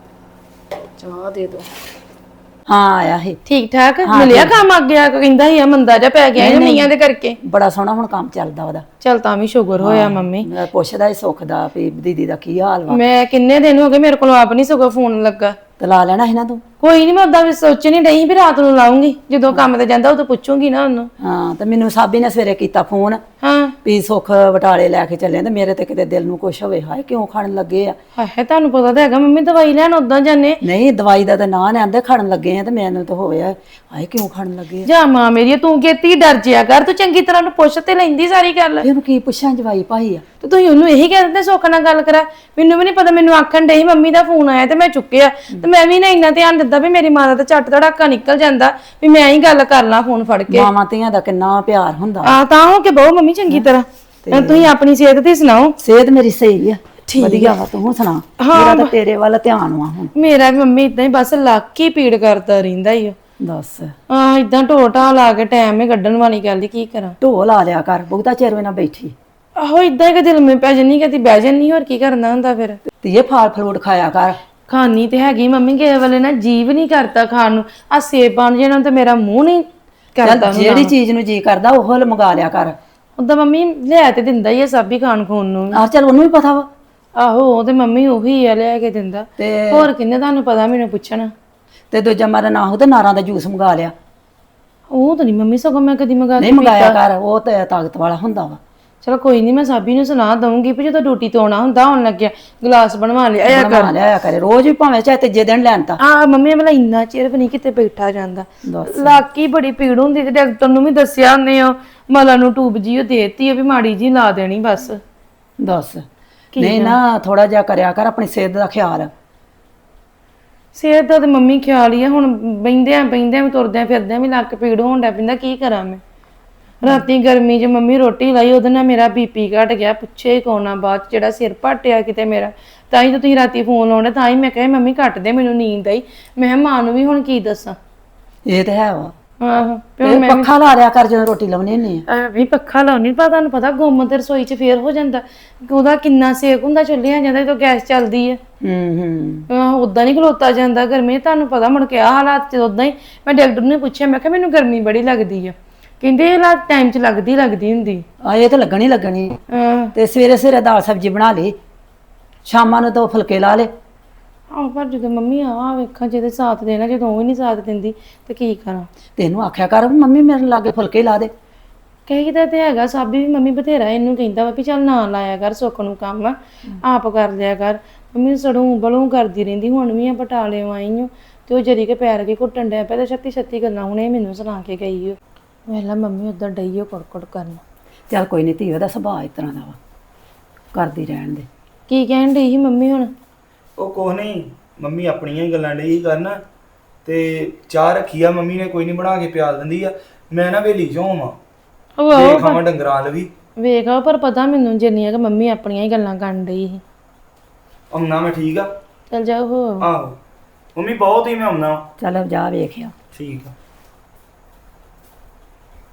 [SPEAKER 1] ਚਾਹ ਦੇ ਦੋ।
[SPEAKER 5] ਹਾਂ ਆਇਆ ਸੀ।
[SPEAKER 2] ਠੀਕ ਠਾਕ ਮਿਲਿਆ ਕੰਮ ਅੱਗੇ ਆ ਕੇ? ਕਹਿੰਦਾ ਸੀ ਆ ਮੰਦਾ ਜਿਹਾ ਪੈ ਗਿਆ ਮੀਆਂ ਦੇ ਕਰਕੇ।
[SPEAKER 5] ਬੜਾ ਸੋਹਣਾ ਹੁਣ ਕੰਮ ਚੱਲਦਾ ਉਹਦਾ।
[SPEAKER 2] ਚਲ ਤਾਂ ਵੀ ਸ਼ੁਕਰ ਹੋਇਆ ਮੰਮੀ।
[SPEAKER 5] ਮੈਂ ਪੁੱਛਦਾ ਹੀ ਸੁੱਖ ਦਾ ਵੀ ਦੀਦੀ ਦਾ ਕੀ ਹਾਲ ਵਾ।
[SPEAKER 2] ਮੈਂ ਕਿੰਨੇ ਦਿਨ ਹੋ ਗਏ ਮੇਰੇ ਕੋਲ ਆਪ ਨਹੀਂ ਸਗੋਂ ਫੋਨ ਲੱਗਾ।
[SPEAKER 5] ਤੇ ਲਾ ਲੈਣਾ ਸੀ ਨਾ ਤੂੰ।
[SPEAKER 2] ਕੋਈ ਨਹੀਂ, ਮੈਂ ਉਦਾਂ ਵੀ ਸੋਚ ਨਹੀਂ ਰਹੀ ਵੀ ਰਾਤ ਨੂੰ ਲਾਉਂਗੀ, ਜਦੋਂ ਕੰਮ ਤੇ ਜਾਂਦਾ ਉਦੋਂ ਪੁੱਛੂੰਗੀ ਨਾ ਉਹਨੂੰ।
[SPEAKER 5] ਹਾਂ ਤੇ ਮੈਨੂੰ ਸਾਬੀ ਨੇ ਸਵੇਰੇ ਕੀਤਾ ਫੋਨ
[SPEAKER 2] ਹਾਂ
[SPEAKER 5] ਵੀ ਸੁੱਖ ਬਟਾਲੇ ਲੈ ਕੇ ਚੱਲੇ, ਤੇ ਮੇਰੇ ਤੇ ਕਿਤੇ ਦਿਲ ਨੂੰ ਕੁਛ ਹੋਵੇ, ਹਾਏ ਕਿਉਂ ਖੜਨ ਲੱਗੇ ਆ।
[SPEAKER 2] ਹਾਏ ਤੁਹਾਨੂੰ ਪਤਾ ਤਾਂ ਹੈਗਾ ਮੰਮੀ, ਦਵਾਈ ਲੈਣ ਉਦਾਂ ਜਾਂਦੇ।
[SPEAKER 5] ਨਹੀਂ ਦਵਾਈ ਦਾ ਤਾਂ ਨਾਂ ਨੇ ਆਂਦੇ ਖੜਨ ਲੱਗੇ ਆ, ਤੇ ਮੈਨੂੰ ਤਾਂ ਹੋਵੇ ਹਾਏ ਕਿਉਂ ਖੜਨ ਲੱਗੇ ਆ।
[SPEAKER 2] ਜਾ ਮਾਂ ਮੇਰੀ, ਤੂੰ ਕੀਤੀ ਡਰ ਜਿਆ ਕਰ, ਤੂੰ ਚੰਗੀ ਤਰ੍ਹਾਂ ਨੂੰ ਪੁੱਛ ਤੇ ਲੈਂਦੀ ਸਾਰੀ ਗੱਲ।
[SPEAKER 5] ਇਹਨੂੰ ਕੀ ਪੁੱਛਾਂ ਜਵਾਈ ਭਾਈ ਆ।
[SPEAKER 2] ਤੇ ਤੁਸੀਂ ਉਹਨੂੰ ਇਹੀ ਕਹਿ ਦਿੰਦੇ ਸੁੱਖ ਨਾਲ ਗੱਲ ਕਰਾ। ਮੈਨੂੰ ਵੀ ਨਹੀਂ ਪਤਾ, ਮੈਨੂੰ ਆਖਣ ਡਈ ਮੰਮੀ ਦਾ ਫੋਨ ਆਇਆ ਤੇ ਮੈਂ ਚੁੱਕਿਆ, ਤੇ ਮੈਂ ਵੀ ਨਾ ਇੰਨਾ ਧਿਆਨ ਦਿੱਤਾ ਵੀ ਮੇਰੀ ਮਾਂ ਦਾ ਤਾਂ ਝੱਟ ਧੜਾਕਾ ਨਿਕਲ ਜਾਂਦਾ ਵੀ ਮੈਂ ਹੀ ਗੱਲ ਕਰ ਲਾਂ ਫੋਨ ਫੜ ਕੇ।
[SPEAKER 5] ਮਾਵਾਂ ਧੀਆਂ ਦਾ ਕਿੰਨਾ ਪਿਆਰ ਹੁੰਦਾ।
[SPEAKER 2] ਆ ਤਾਂ ਹੋ ਕੇ ਬਹੁ ਮੰਮੀ ਚੰਗੀ ਤਰ੍ਹਾਂ। ਤੁਸੀਂ ਆਪਣੀ ਸਿਹਤ ਦੀ ਸੁਣਾਓ।
[SPEAKER 5] ਸਿਹਤ ਮੇਰੀ ਸਹੀ ਆ, ਵਧੀਆ ਵਾ। ਤੂੰ ਸੁਣਾ? ਮੇਰਾ ਤਾਂ ਤੇਰੇ ਵੱਲ ਧਿਆਨ ਵਾ ਹੁਣ।
[SPEAKER 2] ਮੇਰਾ ਵੀ ਮੰਮੀ ਇਦਾਂ ਹੀ ਬਸ ਲੱਕ ਹੀ ਪੀੜ ਕਰਦਾ ਰਹਿੰਦਾ ਹੀ।
[SPEAKER 5] ਦੱਸ
[SPEAKER 2] ਇਦਾਂ ਢੋਟਾ ਲਾ ਕੇ ਟਾਈਮ ਹੀ ਕੱਢਣ ਵਾਲੀ ਗੱਲ, ਕੀ ਕਰਾਂ।
[SPEAKER 5] ਢੋ ਲਾ ਲਿਆ ਕਰ, ਬਹੁਤਾ ਚਿਰ ਵੇ ਨਾ ਬੈਠੀ।
[SPEAKER 2] ਆਹੋ ਇਦਾਂ ਹੀ ਕਦੇ ਲੰਮੇ ਪੈ ਜੰਨੀ, ਕਦੀ ਬਹਿ ਜੰਨੀ, ਹੋਰ ਕੀ ਕਰਨਾ ਹੁੰਦਾ ਫਿਰ।
[SPEAKER 5] ਧੀਏ ਫਲ ਫਰੂਟ ਖਾਇਆ ਕਰ।
[SPEAKER 2] ਖਾਣੀ ਤੇ ਹੈਗੀ ਮੰਮੀ, ਕਿਸੇ ਵੇਲੇ ਨਾ ਜੀਵ ਨਹੀਂ ਕਰਦਾ ਖਾਣ ਨੂੰ। ਆ ਸੇਬ ਬਣ ਜਾਣਾ ਤੇ ਮੇਰਾ ਮੂੰਹ ਨਹੀਂ ਕਰਦਾ।
[SPEAKER 5] ਜਿਹੜੀ ਚੀਜ਼ ਨੂੰ ਜੀ ਕਰਦਾ ਉਹ ਮੰਗਾ ਲਿਆ ਕਰ।
[SPEAKER 2] ਉਦਾਂ ਮੰਮੀ ਲਿਆ ਤੇ ਦਿੰਦਾ ਹੀ ਆ ਸਭ ਹੀ ਖਾਣ ਖੂਨ ਨੂੰ।
[SPEAKER 5] ਆਹ ਚੱਲ ਉਹਨੂੰ ਵੀ ਪਤਾ ਵਾ।
[SPEAKER 2] ਆਹੋ ਉਹ ਤੇ ਮੰਮੀ ਉਹੀ ਆ ਲਿਆ ਕੇ ਦਿੰਦਾ।
[SPEAKER 5] ਤੇ
[SPEAKER 2] ਹੋਰ ਕਿੰਨੇ ਤੁਹਾਨੂੰ ਪਤਾ ਮੈਨੂੰ ਪੁੱਛਣਾ।
[SPEAKER 5] ਤੇ ਦੂਜਾ ਮਾਰਾ ਨਾ ਹੋ ਤੇ ਨਾਰਾਂ ਦਾ ਜੂਸ ਮੰਗਾ ਲਿਆ।
[SPEAKER 2] ਉਹ ਤਾਂ ਨਹੀਂ ਮੰਮੀ, ਸਗੋਂ ਮੈਂ ਕਦੀ ਮੰਗਾ
[SPEAKER 5] ਨਹੀਂ ਮੰਗਾਇਆ ਕਰ, ਉਹ ਤੇ ਤਾਕਤ ਵਾਲਾ ਹੁੰਦਾ ਵਾ।
[SPEAKER 2] ਚਲੋ ਕੋਈ ਨਹੀਂ, ਮੈਂ ਸਾਬੀ ਨੂੰ ਸੁਣਾ ਦਊਂਗੀ ਵੀ ਜਦੋਂ ਡਿਊਟੀ ਤੋਂ ਆਉਣਾ ਹੁੰਦਾ, ਆਉਣ ਲੱਗਿਆ ਗਲਾਸ ਬਣਵਾ ਲਿਆ
[SPEAKER 5] ਬਣਾ ਲਿਆ ਕਰੇ ਰੋਜ਼ ਵੀ, ਭਾਵੇਂ ਚਾਹੇ ਤੀਜੇ ਦਿਨ ਲੈਣ ਤਾਂ।
[SPEAKER 2] ਆ ਮੰਮੀ ਮਤਲਬ ਇੰਨਾ ਚਿਰ ਵੀ ਨਹੀਂ ਕਿਤੇ ਬੈਠਾ ਜਾਂਦਾ।
[SPEAKER 5] ਦੱਸ
[SPEAKER 2] ਲੱਕੀ ਬੜੀ ਪੀੜ ਹੁੰਦੀ ਤੇ ਡਾਕਟਰ ਨੂੰ ਵੀ ਦੱਸਿਆ ਉਹਨੇ, ਉਹ ਮਲਾ ਨੂੰ ਟੂਬ ਜੀ ਉਹ ਦੇਤੀ ਆ ਵੀ ਮਾੜੀ ਜੀ ਲਾ ਦੇਣੀ ਬਸ।
[SPEAKER 5] ਦੱਸ ਨਹੀਂ ਨਾ, ਥੋੜਾ ਜਿਹਾ ਕਰਿਆ ਕਰ ਆਪਣੀ ਸਿਹਤ ਦਾ ਖਿਆਲ।
[SPEAKER 2] ਸਿਹਤ ਦਾ ਤੇ ਮੰਮੀ ਖਿਆਲ ਹੀ ਆ। ਹੁਣ ਬੈਂਦਿਆਂ ਵੀ ਤੁਰਦਿਆਂ ਫਿਰਦਿਆਂ ਵੀ ਲੱਕ ਪੀੜ ਹੋਣ ਡਿਆ ਪੈਂਦਾ, ਕੀ ਕਰਾਂ ਮੈਂ। ਰਾਤੀ ਗਰਮੀ 'ਚ ਮੰਮੀ ਰੋਟੀ ਲਾਈ, ਉਹਦੇ ਨਾਲ ਮੇਰਾ ਬੀਪੀ ਘਟ ਗਿਆ, ਪੁੱਛੇ ਕੋਨਾ ਬਾਅਦ ਜਿਹੜਾ ਸਿਰ ਭਟਿਆ ਕਿਤੇ ਮੇਰਾ। ਤਾਂ ਹੀ ਤਾਂ ਤੁਸੀਂ ਰਾਤੀ ਫੋਨ ਲਾਉਣੇ, ਤਾਂ ਹੀ ਮੈਂ ਕਹੇ ਮੰਮੀ ਘੱਟ ਦੇ, ਮੈਨੂੰ ਨੀਂਦ ਆਈ। ਮੈਂ ਮਾਂ ਨੂੰ ਵੀ ਹੁਣ ਕੀ ਦੱਸਾਂ।
[SPEAKER 5] ਇਹ ਤੇ ਹੈ ਵਾ।
[SPEAKER 2] ਆਹੋ
[SPEAKER 5] ਤੇ ਪੱਖਾ ਲਾ ਲਿਆ ਕਰ ਜਦੋਂ ਰੋਟੀ ਲਾਉਣੀ ਹੁੰਦੀ ਆ।
[SPEAKER 2] ਵੀ ਪੱਖਾ ਲਾਉਣੀ, ਪਰ ਤੁਹਾਨੂੰ ਪਤਾ ਗੁੰਮ ਤੇ ਰਸੋਈ 'ਚ ਫੇਰ ਹੋ ਜਾਂਦਾ, ਉਹਦਾ ਕਿੰਨਾ ਸੇਕ ਹੁੰਦਾ ਚੁੱਲ੍ਹਿਆਂ ਜਾਂਦਾ ਜਦੋਂ ਗੈਸ ਚੱਲਦੀ ਹੈ। ਉਦਾਂ ਨਹੀਂ ਖਲੋਤਾ ਜਾਂਦਾ ਗਰਮੀ, ਤੁਹਾਨੂੰ ਪਤਾ। ਮੁੜ ਕੇ ਆਹ ਹਾਲਾਤ 'ਚ ਉਦਾਂ ਹੀ ਮੈਂ ਡਾਕਟਰ ਨੂੰ ਪੁੱਛਿਆ, ਮੈਂ ਕਿਹਾ ਮੈਨੂੰ ਗਰਮੀ ਬੜੀ ਲੱਗਦੀ ਆ। ਕਹਿੰਦੇ ਇਹ ਹਾਲਾਤ ਟਾਈਮ 'ਚ ਲੱਗਦੀ ਹੁੰਦੀ
[SPEAKER 5] ਆ। ਇਹ ਤਾਂ ਲੱਗਣੀ। ਤੇ ਸਵੇਰੇ ਸਵੇਰੇ ਦਾਲ ਸਬਜ਼ੀ ਬਣਾ ਲਈ, ਸ਼ਾਮਾਂ ਨੂੰ ਤਾਂ ਫੁਲਕੇ ਲਾ ਲੇ।
[SPEAKER 2] ਆਹ ਪਰ ਜਦੋਂ ਮੰਮੀ ਆ ਵੇਖਾਂ ਜਿਹਦੇ ਸਾਥ ਦੇਣਾ, ਜਦੋਂ ਉਹ ਹੀ ਨਹੀਂ ਸਾਥ ਦਿੰਦੀ ਤੇ ਕੀ ਕਰਾਂ।
[SPEAKER 5] ਤੈਨੂੰ ਆਖਿਆ ਕਰ ਮੰਮੀ ਮੇਰੇ ਲਾਗੇ ਫੁਲਕੇ ਲਾ ਦੇ।
[SPEAKER 2] ਕਹੀਦਾ ਤੇ ਹੈਗਾ, ਸਾਬੀ ਵੀ ਮੰਮੀ ਬਥੇਰਾ ਇਹਨੂੰ ਕਹਿੰਦਾ ਵਾ ਵੀ ਚੱਲ ਨਾ ਲਾਇਆ ਕਰ ਸੁੱਖ ਨੂੰ ਕੰਮ, ਆਪ ਕਰ ਲਿਆ ਕਰ। ਮੰਮੀ ਸੜੂ ਬਲੂ ਕਰਦੀ ਰਹਿੰਦੀ। ਹੁਣ ਵੀ ਆ ਬਟਾਲੇ ਆਈ ਹਾਂ ਤੇ ਉਹ ਜਰੀ ਕੇ ਪੈਰ ਕੇ ਘੁੱਟਣ ਡਿਆ ਪਿਆ, ਤੇ ਛੱਤੀ ਗੱਲਾਂ ਹੁਣੇ ਮੈਨੂੰ ਸੁਣਾ ਕੇ ਗਈ ਓ। ਵੇਲਾ ਮੰਮੀ ਉਦਾਂ ਡਈ ਓ ਕੁੜਕੁੜ ਕਰਨ।
[SPEAKER 5] ਚੱਲ ਕੋਈ ਨਹੀਂ ਧੀ, ਉਹਦਾ ਸੁਭਾਅ ਇਸ ਤਰ੍ਹਾਂ ਦਾ ਵਾ, ਕਰਦੀ ਰਹਿਣ ਦੇ।
[SPEAKER 2] ਕੀ ਕਹਿਣ ਡਈ ਸੀ ਮੰਮੀ ਹੁਣ?
[SPEAKER 3] ਉਹ ਕੁਛ ਨਹੀਂ, ਮੰਮੀ ਆਪਣੀਆਂ ਹੀ ਗੱਲਾਂ ਡਈ ਕਰਨ। ਤੇ ਚਾਹ ਰੱਖੀ ਆ ਮੰਮੀ ਨੇ, ਕੋਈ ਨਹੀਂ ਬਣਾ ਕੇ ਪਿਆਲ ਦਿੰਦੀ ਆ। ਮੈਂ ਨਾ ਵੇਲੀ ਚੋਂ ਆਵਾਂ, ਦੇ ਖਾਵਾਂ ਡੰਗਰਾਂ ਲਵੀ
[SPEAKER 2] ਵੇਖ ਆ। ਪਰ ਪਤਾ ਮੈਨੂੰ ਜਿੰਨੀਆਂ ਕਿ ਮੰਮੀ ਆਪਣੀਆਂ ਹੀ ਗੱਲਾਂ ਕਰਨ ਡਈ ਸੀ।
[SPEAKER 3] ਆਉਣਾ ਮੈਂ, ਠੀਕ ਆ।
[SPEAKER 2] ਚੱਲ ਜਾਓ ਹੋ।
[SPEAKER 3] ਆਹੋ ਮੰਮੀ ਬਹੁਤ ਹੀ ਮੈਂ ਆਉਣਾ।
[SPEAKER 5] ਚੱਲ ਜਾ ਵੇਖਿਆ।
[SPEAKER 3] ਠੀਕ ਆ।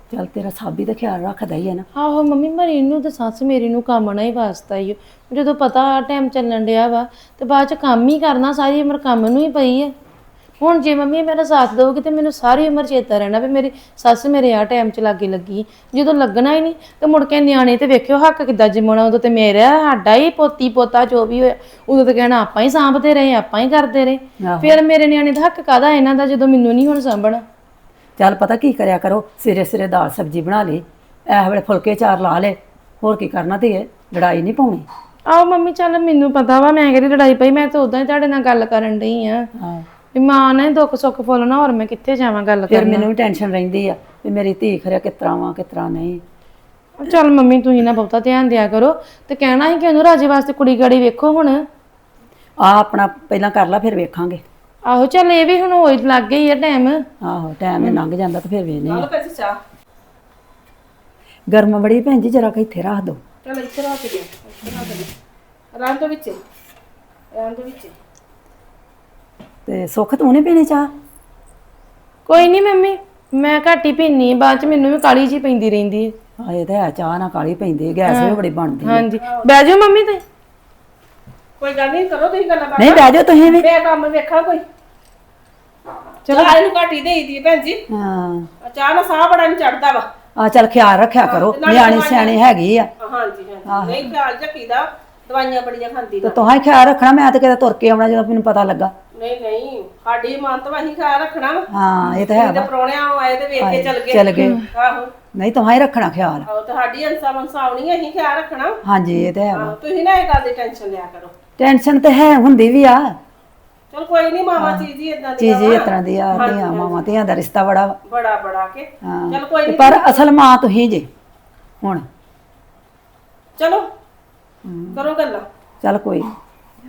[SPEAKER 5] ਚੱਲ ਤੇਰਾ ਸਾਬੀ ਦਾ ਖਿਆਲ ਰੱਖਦਾ ਹੀ ਹੈ ਨਾ।
[SPEAKER 2] ਆਹੋ ਮੰਮੀ ਮਰੀ ਨੂੰ ਤੇ ਸੱਸ ਮੇਰੀ ਨੂੰ ਕੰਮ ਨਾ ਹੀ ਵਾਸਤਾ ਹੀ ਜਦੋਂ ਪਤਾ ਆ ਟਾਈਮ ਚੱਲਣ ਡਿਆ ਵਾ ਤੇ ਬਾਅਦ ਚ ਕੰਮ ਹੀ ਕਰਨਾ, ਸਾਰੀ ਉਮਰ ਕੰਮ ਨੂੰ ਹੀ ਪਈ ਹੈ। ਹੁਣ ਜੇ ਮੰਮੀ ਮੇਰਾ ਸਾਥ ਦਊਗੀ ਤੇ ਮੈਨੂੰ ਸਾਰੀ ਉਮਰ ਚੇਤਾ ਰਹਿਣਾ ਵੀ ਮੇਰੀ ਸੱਸ ਮੇਰੇ ਆ ਟਾਈਮ 'ਚ ਲਾਗੇ ਲੱਗੀ। ਜਦੋਂ ਲੱਗਣਾ ਹੀ ਨਹੀਂ ਤੇ ਮੁੜ ਕੇ ਨਿਆਣੇ ਤੇ ਵੇਖਿਓ ਹੱਕ ਕਿੱਦਾਂ ਜਮਾਉਣਾ। ਉਦੋਂ ਤੇ ਮੇਰਾ ਸਾਡਾ ਹੀ ਪੋਤੀ ਪੋਤਾ ਜੋ ਵੀ ਹੋਇਆ ਉਦੋਂ ਤੇ ਕਹਿਣਾ ਆਪਾਂ ਹੀ ਸਾਂਭਦੇ ਰਹੇ, ਆਪਾਂ ਹੀ ਕਰਦੇ ਰਹੇ। ਫਿਰ ਮੇਰੇ ਨਿਆਣੇ ਦਾ ਹੱਕ ਕਾਹਦਾ ਇਹਨਾਂ ਦਾ ਜਦੋਂ ਮੈਨੂੰ ਨਹੀਂ ਹੁਣ ਸਾਂਭਣਾ।
[SPEAKER 5] ਚੱਲ ਪਤਾ ਕੀ ਕਰਿਆ ਕਰੋ, ਸਿਰੇ ਸਿਰੇ ਦਾਲ ਸਬਜ਼ੀ ਬਣਾ ਲਈ, ਇਸ ਵੇਲੇ ਫੁਲਕੇ ਚਾਰ ਲਾ ਲੈ, ਹੋਰ ਕੀ ਕਰਨਾ ਧੀਏ, ਲੜਾਈ ਨਹੀਂ ਪਾਉਣੀ।
[SPEAKER 2] ਆਹੋ ਮੰਮੀ ਚੱਲ ਮੈਨੂੰ ਪਤਾ ਵਾ ਮੈਂ ਕਿਹੜੀ ਲੜਾਈ ਪਈ, ਮੈਂ ਤਾਂ ਉਦਾਂ ਹੀ ਤੁਹਾਡੇ ਨਾਲ ਗੱਲ ਕਰਨ ਡਈ ਆ
[SPEAKER 5] ਹਾਂ
[SPEAKER 2] ਵੀ ਮਾਂ ਨੇ ਦੁੱਖ ਸੁੱਖ ਫੋਲਣਾ, ਹੋਰ ਮੈਂ ਕਿੱਥੇ ਜਾਵਾਂ ਗੱਲ
[SPEAKER 5] ਫਿਰ
[SPEAKER 2] ਕਰਨ।
[SPEAKER 5] ਮੈਨੂੰ ਵੀ ਟੈਨਸ਼ਨ ਰਹਿੰਦੀ ਆ ਵੀ ਮੇਰੀ ਧੀ ਖਰਿਆ ਕਿਸ ਤਰ੍ਹਾਂ ਵਾ ਕਿਸ ਤਰ੍ਹਾਂ ਨਹੀਂ।
[SPEAKER 2] ਚੱਲ ਮੰਮੀ ਤੁਸੀਂ ਨਾ ਬਹੁਤਾ ਧਿਆਨ ਦਿਆ ਕਰੋ ਤੇ ਕਹਿਣਾ ਸੀ ਕਿ ਉਹਨੂੰ ਰਾਜੇ ਵਾਸਤੇ ਕੁੜੀ ਗਾੜੀ ਵੇਖੋ ਹੁਣ।
[SPEAKER 5] ਆ ਆਪਣਾ ਪਹਿਲਾਂ ਕਰ ਲਾ ਫਿਰ ਵੇਖਾਂਗੇ।
[SPEAKER 2] ਆਹੋ ਚੱਲ ਇਹ ਵੀ ਹੁਣ ਹੋਈ ਲੱਗ ਗਈ ਆ ਟਾਈਮ।
[SPEAKER 5] ਆਹੋ ਟਾਈਮ ਇਹ ਲੰਘ ਜਾਂਦਾ ਤੇ ਫਿਰ ਵੇਖਨੇ
[SPEAKER 1] ਨਾਲ
[SPEAKER 5] ਆ।
[SPEAKER 1] ਪੈਸੇ ਚਾਹ
[SPEAKER 5] ਗਰਮ ਬੜੀ ਭੈਣ ਜੀ, ਜਰਾ ਕਿ ਇੱਥੇ ਰੱਖ ਦੋ।
[SPEAKER 1] ਚਲ ਇੱਥੇ ਰੱਖ ਦੇ, ਇੱਥੇ ਰੱਖ ਦੇ, ਰਾਂ ਦੇ ਵਿੱਚ, ਰਾਂ ਦੇ ਵਿੱਚ।
[SPEAKER 5] ਤੇ ਸੁੱਖ ਤੂੰ ਨਹੀਂ ਪੀਣੀ ਚਾਹ?
[SPEAKER 2] ਕੋਈ ਨਹੀਂ ਮੰਮੀ ਮੈਂ ਘੱਟ ਹੀ ਪੀਨੀ, ਬਾਅਦ ਚ ਮੈਨੂੰ ਵੀ ਕਾਲੀ ਜੀ ਪੈਂਦੀ ਰਹਿੰਦੀ ਹੈ।
[SPEAKER 5] ਆ ਇਹ ਤਾਂ ਹੈ, ਚਾਹ ਨਾ ਕਾਲੀ ਪੈਂਦੀ, ਗੈਸ ਵੀ ਬੜੀ ਬਣਦੀ ਆ।
[SPEAKER 2] ਹਾਂਜੀ ਬਹਿ ਜਾਓ ਮੰਮੀ ਤੇ।
[SPEAKER 1] ਕੋਈ ਗੱਲ ਨਹੀਂ, ਕਰੋ ਤੁਸੀਂ ਗੱਲਾਂ ਬਾਤਾਂ।
[SPEAKER 5] ਨਹੀਂ ਬਹਿ ਜਾਓ ਤੁਸੀਂ ਵੀ।
[SPEAKER 1] ਮੈਂ ਕੰਮ ਵੇਖਾਂ ਕੋਈ। ਚਲੋ ਇਹਨੂੰ ਘੱਟ ਹੀ ਦੇਈ ਦੀ ਭੈਣ ਜੀ,
[SPEAKER 5] ਹਾਂ
[SPEAKER 1] ਚਾਹ ਨਾਲ ਸਾਹ ਬੜਾ ਨਹੀਂ ਚੜਦਾ ਵਾ।
[SPEAKER 5] ਆ ਚੱਲ ਖਿਆਲ ਰੱਖਿਆ ਕਰੋ, ਨਿਆਣੀ ਸਿਆਣੀ ਹੈਗੀ ਆ।
[SPEAKER 1] ਹਾਂਜੀ ਹਾਂਜੀ, ਨਹੀਂ ਖਿਆਲ ਰੱਖੀਦਾ, ਦਵਾਈਆਂ ਬੜੀਆਂ ਖਾਂਦੀ
[SPEAKER 5] ਤੇ
[SPEAKER 1] ਨਾ।
[SPEAKER 5] ਤੁਹਾਂ ਹੀ ਖਿਆਲ ਰੱਖਣਾ, ਮੈਂ ਤਾਂ ਕਿਤੇ ਤੁਰ ਕੇ ਆਉਣਾ ਜਦੋਂ ਮੈਨੂੰ ਪਤਾ ਲੱਗਾ।
[SPEAKER 1] ਨਹੀਂ ਨਹੀਂ, ਸਾਡੀ ਮਾਂ ਤਾਂ ਅਸੀਂ ਖਿਆਲ ਰੱਖਣਾ ਵਾ।
[SPEAKER 5] ਹਾਂ ਇਹ ਤਾਂ ਹੈ
[SPEAKER 1] ਤੇ
[SPEAKER 5] ਵਾ।
[SPEAKER 1] ਪ੍ਰਾਹੁਣਿਆਂ ਆਏ ਤੇ ਵੇਖ ਕੇ
[SPEAKER 5] ਚਲ
[SPEAKER 1] ਚਲ
[SPEAKER 5] ਗਏ।
[SPEAKER 1] ਗਏ। ਆਹੋ
[SPEAKER 5] ਨਹੀਂ ਤੁਹਾਂ ਹੀ ਰੱਖਣਾ ਖਿਆਲ।
[SPEAKER 1] ਆਹੋ, ਤੁਹਾਡੀ ਅੰਸਾ ਮੰਸਾ ਆਉਣੀ, ਅਸੀਂ ਖਿਆਲ ਰੱਖਣਾ।
[SPEAKER 5] ਹਾਂਜੀ ਇਹ ਤਾਂ ਹੈ ਵਾ।
[SPEAKER 1] ਆਹੋ, ਤੁਸੀਂ ਨਾ ਇਹ ਗੱਲ ਦੀ ਟੈਨਸ਼ਨ ਲਿਆ ਕਰੋ।
[SPEAKER 5] ਟੈਨਸ਼ਨ ਤੇ ਹੈ, ਹੁੰਦੀ ਵੀ ਆ,
[SPEAKER 1] ਚਲ ਕੋਈ ਨਹੀਂ, ਮਾਵਾ ਚੀਜ਼ ਹੀ ਇਦਾਂ ਦੀ
[SPEAKER 5] ਚੀਜ਼ ਹੀ ਇਸ ਤਰ੍ਹਾਂ ਦੀ ਆ। ਧੀਆਂ ਮਾਵਾਂ ਧੀਆਂ ਦਾ ਰਿਸ਼ਤਾ ਬੜਾ ਵਾ।
[SPEAKER 1] ਬੜਾ ਬੜਾ ਕੇ।
[SPEAKER 5] ਹਾਂ
[SPEAKER 1] ਚਲ ਕੋਈ
[SPEAKER 5] ਤੇ
[SPEAKER 1] ਨਹੀਂ,
[SPEAKER 5] ਪਰ ਅਸਲ ਮਾਂ ਤੁਸੀਂ ਜੇ ਹੁਣ।
[SPEAKER 1] ਚਲੋ ਕਰੋ ਗੱਲਾਂ।
[SPEAKER 5] ਚੱਲ ਕੋਈ ਨੀ।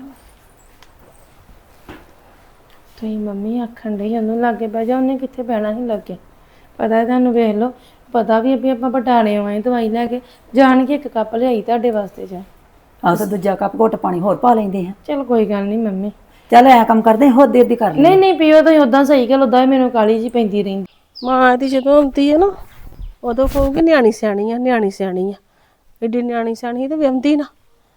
[SPEAKER 2] ਤੁਸੀਂ ਮੰਮੀ ਆਖਣ ਡਈ ਉਹਨੂੰ ਲਾਗੇ ਬਹਿ ਜਾ, ਉਹਨੇ ਕਿੱਥੇ ਬਹਿਣਾ ਸੀ ਲੱਗੇ। ਪਤਾ ਤੁਹਾਨੂੰ ਵੇਖ ਲਓ, ਪਤਾ ਵੀ ਵੀ ਆਪਾਂ ਬਟਾਲੇ ਆਏ ਦਵਾਈ ਲੈ ਕੇ ਜਾਣ ਕੇ ਇੱਕ ਕੱਪ ਲਿਆਈ ਤੁਹਾਡੇ ਵਾਸਤੇ ਜਾ।
[SPEAKER 5] ਆਹ ਤਾਂ ਦੂਜਾ ਕੱਪ ਘੁੱਟ ਪਾਣੀ ਹੋਰ ਪਾ ਲੈਂਦੇ ਆ।
[SPEAKER 2] ਚਲ ਕੋਈ ਗੱਲ ਨਹੀਂ ਮੰਮੀ।
[SPEAKER 5] ਚੱਲ ਐ ਕੰਮ ਕਰਦੇ ਹੋਰ ਦੇਰ ਦੀ ਕਰ ਲਈ।
[SPEAKER 2] ਨਹੀਂ ਨਹੀਂ ਪੀਓ ਤੁਸੀਂ ਉਦਾਂ ਸਹੀ ਗੱਲ, ਉਦਾਂ ਮੈਨੂੰ ਕਾਲੀ ਜੀ ਪੈਂਦੀ ਰਹਿੰਦੀ।
[SPEAKER 1] ਮਾਂ ਦੀ ਜਦੋਂ ਆਉਂਦੀ ਹੈ ਨਾ, ਉਦੋਂ ਕਹੂਗੀ ਨਿਆਣੀ ਸਿਆਣੀ ਆ, ਨਿਆਣੀ ਸਿਆਣੀ ਆ। ਏਡੀ ਨਿਆਣੀ ਸਿਆਣੀ ਤੇ ਵਿਆਹੁੰਦੀ ਨਾ।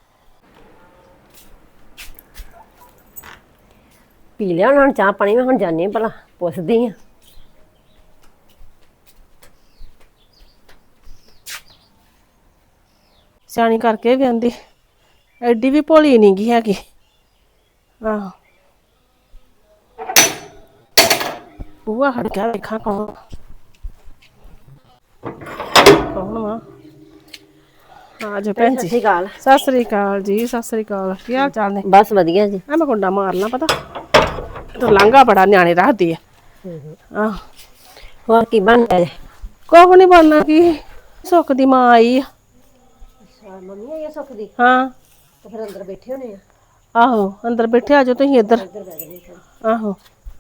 [SPEAKER 4] ਪੀ ਲਿਆ ਉਹਨਾਂ ਨੇ ਚਾਹ ਪਾਣੀ, ਮੈਂ ਹੁਣ ਜਾਣੀ ਭਲਾ ਪੁੱਛਦੀ ਆ।
[SPEAKER 1] ਸਿਆਣੀ ਕਰਕੇ ਵਿਆਹੁੰਦੀ, ਐਡੀ ਵੀ ਭੋਲੀ ਨਹੀਂ ਗੀ ਹੈਗੀ। ਆਹੋ ਬੂਆ ਹਟ ਗਿਆ, ਵੇਖਾਂ ਕੌਣ ਕੌਣ ਵਾ। ਆ ਜਾ ਭੈਣ ਜੀ।
[SPEAKER 4] ਸਤਿ ਸ਼੍ਰੀ ਅਕਾਲ।
[SPEAKER 1] ਸਤਿ ਸ੍ਰੀ ਅਕਾਲ ਜੀ, ਸਤਿ ਸ੍ਰੀ ਅਕਾਲ। ਕੀ ਹਾਲ ਚਾਲ ਨੇ?
[SPEAKER 4] ਬਸ ਵਧੀਆ ਜੀ।
[SPEAKER 1] ਮੈਂ ਕੁੰਡਾ ਮਾਰਨਾ, ਪਤਾ ਤੂੰ ਲਾਂਘਾ ਬੜਾ ਨਿਆਣੇ ਰੱਖਦੀ ਆ। ਆਹ
[SPEAKER 4] ਹੋਰ ਕੀ ਬਣ ਰਿਹਾ?
[SPEAKER 1] ਕੁਛ ਨੀ ਬਣਨਾ, ਕੀ ਸੁੱਖ ਦੀ ਮਾਂ ਆਈ ਆ।
[SPEAKER 4] ਅੱਛਾ ਮੰਮੀ ਆਈ ਸੁੱਖ ਦੀ?
[SPEAKER 1] ਹਾਂ
[SPEAKER 4] ਤੇ ਫਿਰ ਅੰਦਰ ਬੈਠੇ ਹੋਣੇ ਆ?
[SPEAKER 1] ਆਹੋ ਅੰਦਰ ਬੈਠੇ, ਆ ਜਾਓ ਤੁਸੀਂ ਇੱਧਰ। ਆਹੋ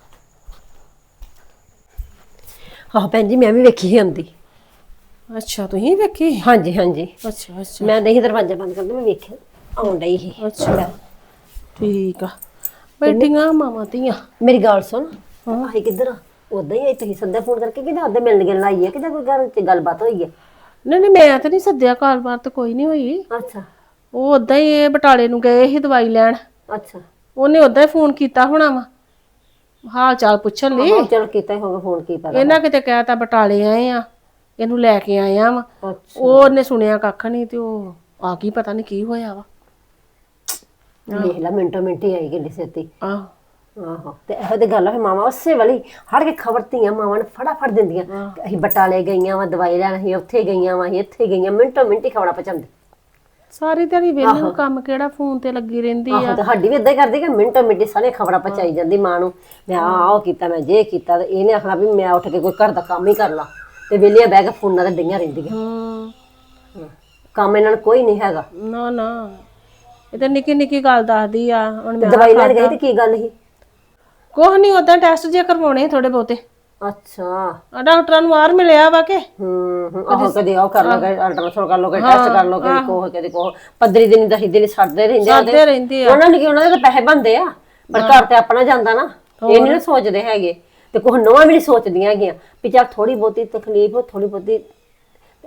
[SPEAKER 4] ਆਹ ਭੈਣ ਜੀ ਮੈਂ ਵੀ ਵੇਖੀ ਸੀ ਆਉਂਦੀ।
[SPEAKER 1] ਅੱਛਾ ਤੁਸੀਂ ਵੇਖੀ?
[SPEAKER 4] ਹਾਂਜੀ ਹਾਂਜੀ,
[SPEAKER 1] ਅੱਛਾ ਅੱਛਾ
[SPEAKER 4] ਮੈਂ ਨਹੀਂ ਦਰਵਾਜ਼ਾ ਬੰਦ ਕਰਦਾ, ਮੈਂ ਵੇਖਿਆ ਆਉਣ ਡਈ ਸੀ।
[SPEAKER 1] ਅੱਛਾ ਠੀਕ ਆ, ਬੈਠੀਆਂ ਮਾਵਾਂ ਧੀਆਂ।
[SPEAKER 4] ਮੇਰੀ ਗੱਲ ਸੁਣ, ਆਹੀ ਕਿੱਧਰ ਆ? ਉਦਾਂ ਹੀ ਆਈ, ਤੁਸੀਂ ਸੱਦਾ ਫੋਨ ਕਰਕੇ ਕਿਤੇ ਉਦਾਂ ਮਿਲਣ ਗਿਲਣ ਆਈ ਹੈ, ਕਿਤੇ ਕੋਈ ਘਰ ਚ ਗੱਲਬਾਤ ਹੋਈ ਹੈ?
[SPEAKER 1] ਨਹੀਂ ਨਹੀਂ, ਮੈਂ ਤਾਂ ਨਹੀਂ ਸੱਦਿਆ, ਕਾਰੋਬਾਰ ਤਾਂ ਕੋਈ ਨਹੀਂ ਹੋਈ।
[SPEAKER 4] ਅੱਛਾ
[SPEAKER 1] ਉਹ ਉਦਾਂ ਹੀ ਇਹ ਬਟਾਲੇ ਨੂੰ ਗਏ ਸੀ ਦਵਾਈ ਲੈਣ,
[SPEAKER 4] ਅੱਛਾ।
[SPEAKER 1] ਉਹਨੇ ਉਦਾਂ ਹੀ ਫੋਨ ਕੀਤਾ ਹੋਣਾ ਵਾ ਹਾਲ ਚਾਲ ਪੁੱਛਣ ਲਈ।
[SPEAKER 4] ਚਲ ਕੀਤਾ ਹੀ ਹੋਗਾ ਫੋਨ, ਕੀ ਪਤਾ।
[SPEAKER 1] ਇਹਨਾਂ ਕਿਤੇ ਕਹਿਤਾ ਬਟਾਲੇ ਆਏ ਆ, ਇਹਨੂੰ ਲੈ ਕੇ ਆਇਆ ਵਾ।
[SPEAKER 4] ਅੱਛਾ
[SPEAKER 1] ਉਹਨੇ ਸੁਣਿਆ ਕੱਖ ਨਹੀਂ ਤੇ ਉਹ ਆ ਗਈ, ਪਤਾ ਨਹੀਂ ਕੀ ਹੋਇਆ ਵਾ।
[SPEAKER 4] ਦੇਖ ਲੈ ਮਿੰਟੋ ਮਿੰਟ ਹੀ ਆਈ ਗੱਡੀ ਸੇਤੀ।
[SPEAKER 1] ਆਹ
[SPEAKER 4] ਆਹੋ ਤੇ ਇਹੋ ਤੇ ਗੱਲ ਆ, ਫਿਰ ਮਾਵਾਂ ਉਸੇ ਵਾਲੀ ਹੜ ਕੇ ਖਬਰ ਧੀਆਂ ਮਾਵਾਂ ਨੂੰ ਫਟਾਫਟ ਦਿੰਦੀਆਂ। ਅਸੀਂ ਬਟਾਲੇ ਗਈਆਂ ਵਾ ਦਵਾਈ ਲੈਣ, ਅਸੀਂ ਉੱਥੇ ਗਈਆਂ ਵਾ, ਅਸੀਂ ਇੱਥੇ ਗਈਆਂ, ਮਿੰਟੋ ਮਿੰਟ ਹੀ ਖਬਰਾਂ ਪਹੁੰਚਾਉਂਦੇ।
[SPEAKER 1] ਸਾਰੀ ਦਿਹਾੜੀ ਵੇਲੇ ਨੂੰ ਕੰਮ ਕਿਹੜਾ, ਫੋਨ ਤੇ ਲੱਗੀ ਰਹਿੰਦੀ ਆ।
[SPEAKER 4] ਆਹੋ ਤੇ ਸਾਡੀ ਵੀ ਇਦਾਂ ਹੀ ਕਰਦੀ ਕਿ ਮਿੰਟੋ ਮਿੰਟ ਸਾਰੀਆਂ ਖਬਰਾਂ ਪਹੁੰਚਾਈ ਜਾਂਦੀ ਮਾਂ ਨੂੰ। ਮੈਂ ਆਹ ਕੀਤਾ, ਮੈਂ ਜੇ ਕੀਤਾ, ਤੇ ਇਹਨੇ ਆਖਣਾ ਵੀ ਮੈਂ ਉੱਠ ਕੇ ਕੋਈ ਘਰ ਦਾ ਕੰਮ ਹੀ ਕਰ ਲਾ, ਤੇ ਵੇਲੀਆਂ ਬਹਿ ਕੇ ਫੋਨਾਂ ਤੇ ਡਈਆਂ ਰਹਿੰਦੀਆਂ। ਕੰਮ ਇਹਨਾਂ ਨੂੰ ਕੋਈ ਨਹੀਂ ਹੈਗਾ।
[SPEAKER 1] ਨਾ ਨਾ, ਇਹ ਤਾਂ ਨਿੱਕੀ ਨਿੱਕੀ ਗੱਲ ਦੱਸਦੀ ਆ। ਹੁਣ ਮੈਂ
[SPEAKER 4] ਦਵਾਈ ਲੈਣ ਗਈ ਤੇ ਕੀ ਗੱਲ ਸੀ?
[SPEAKER 1] ਕੁਛ ਨਹੀਂ, ਉਦਾਂ ਟੈਸਟ ਜੇ ਕਰਵਾਉਣੇ ਥੋੜੇ ਬਹੁਤੇ।
[SPEAKER 4] ਅੱਛਾ
[SPEAKER 1] ਆ ਡਾਕਟਰਾਂ ਨੂੰ ਬਾਹਰ ਮਿਲਿਆ ਵਾ ਕੇ।
[SPEAKER 4] ਆਹੋ ਕਦੇ ਉਹ ਕਰ ਲੋ, ਕਦੇ ਅਲਟਰਾਸਾਊਂਡ ਕਰ ਲੋ, ਕਦੇ ਟੈਸਟ ਕਰ ਲੋ, ਕਦੇ ਕੋਹ ਕਦੇ ਕੋਹ, 15 ਦਿਨ 10 ਦਿਨ ਛੱਡਦੇ ਰਹਿੰਦੇ ਆ।
[SPEAKER 1] ਕਰਦੇ ਰਹਿੰਦੇ ਆ।
[SPEAKER 4] ਉਹਨਾਂ ਨੇ ਕੀ, ਉਹਨਾਂ ਦੇ ਤਾਂ ਪੈਸੇ ਬਣਦੇ ਆ, ਪਰ ਘਰ ਤੇ ਆਪਣਾ ਜਾਂਦਾ ਨਾ, ਇਹ ਨਹੀਂ ਨਾ ਸੋਚਦੇ ਹੈਗੇ। ਤੇ ਕੋਹ ਨਵਾਂ ਵੀ ਨਹੀਂ ਸੋਚਦੀਆਂ ਹੈਗੀਆਂ ਵੀ ਚੱਲ ਥੋੜੀ ਬਹੁਤੀ ਤਕਲੀਫ, ਥੋੜੀ ਬਹੁਤੀ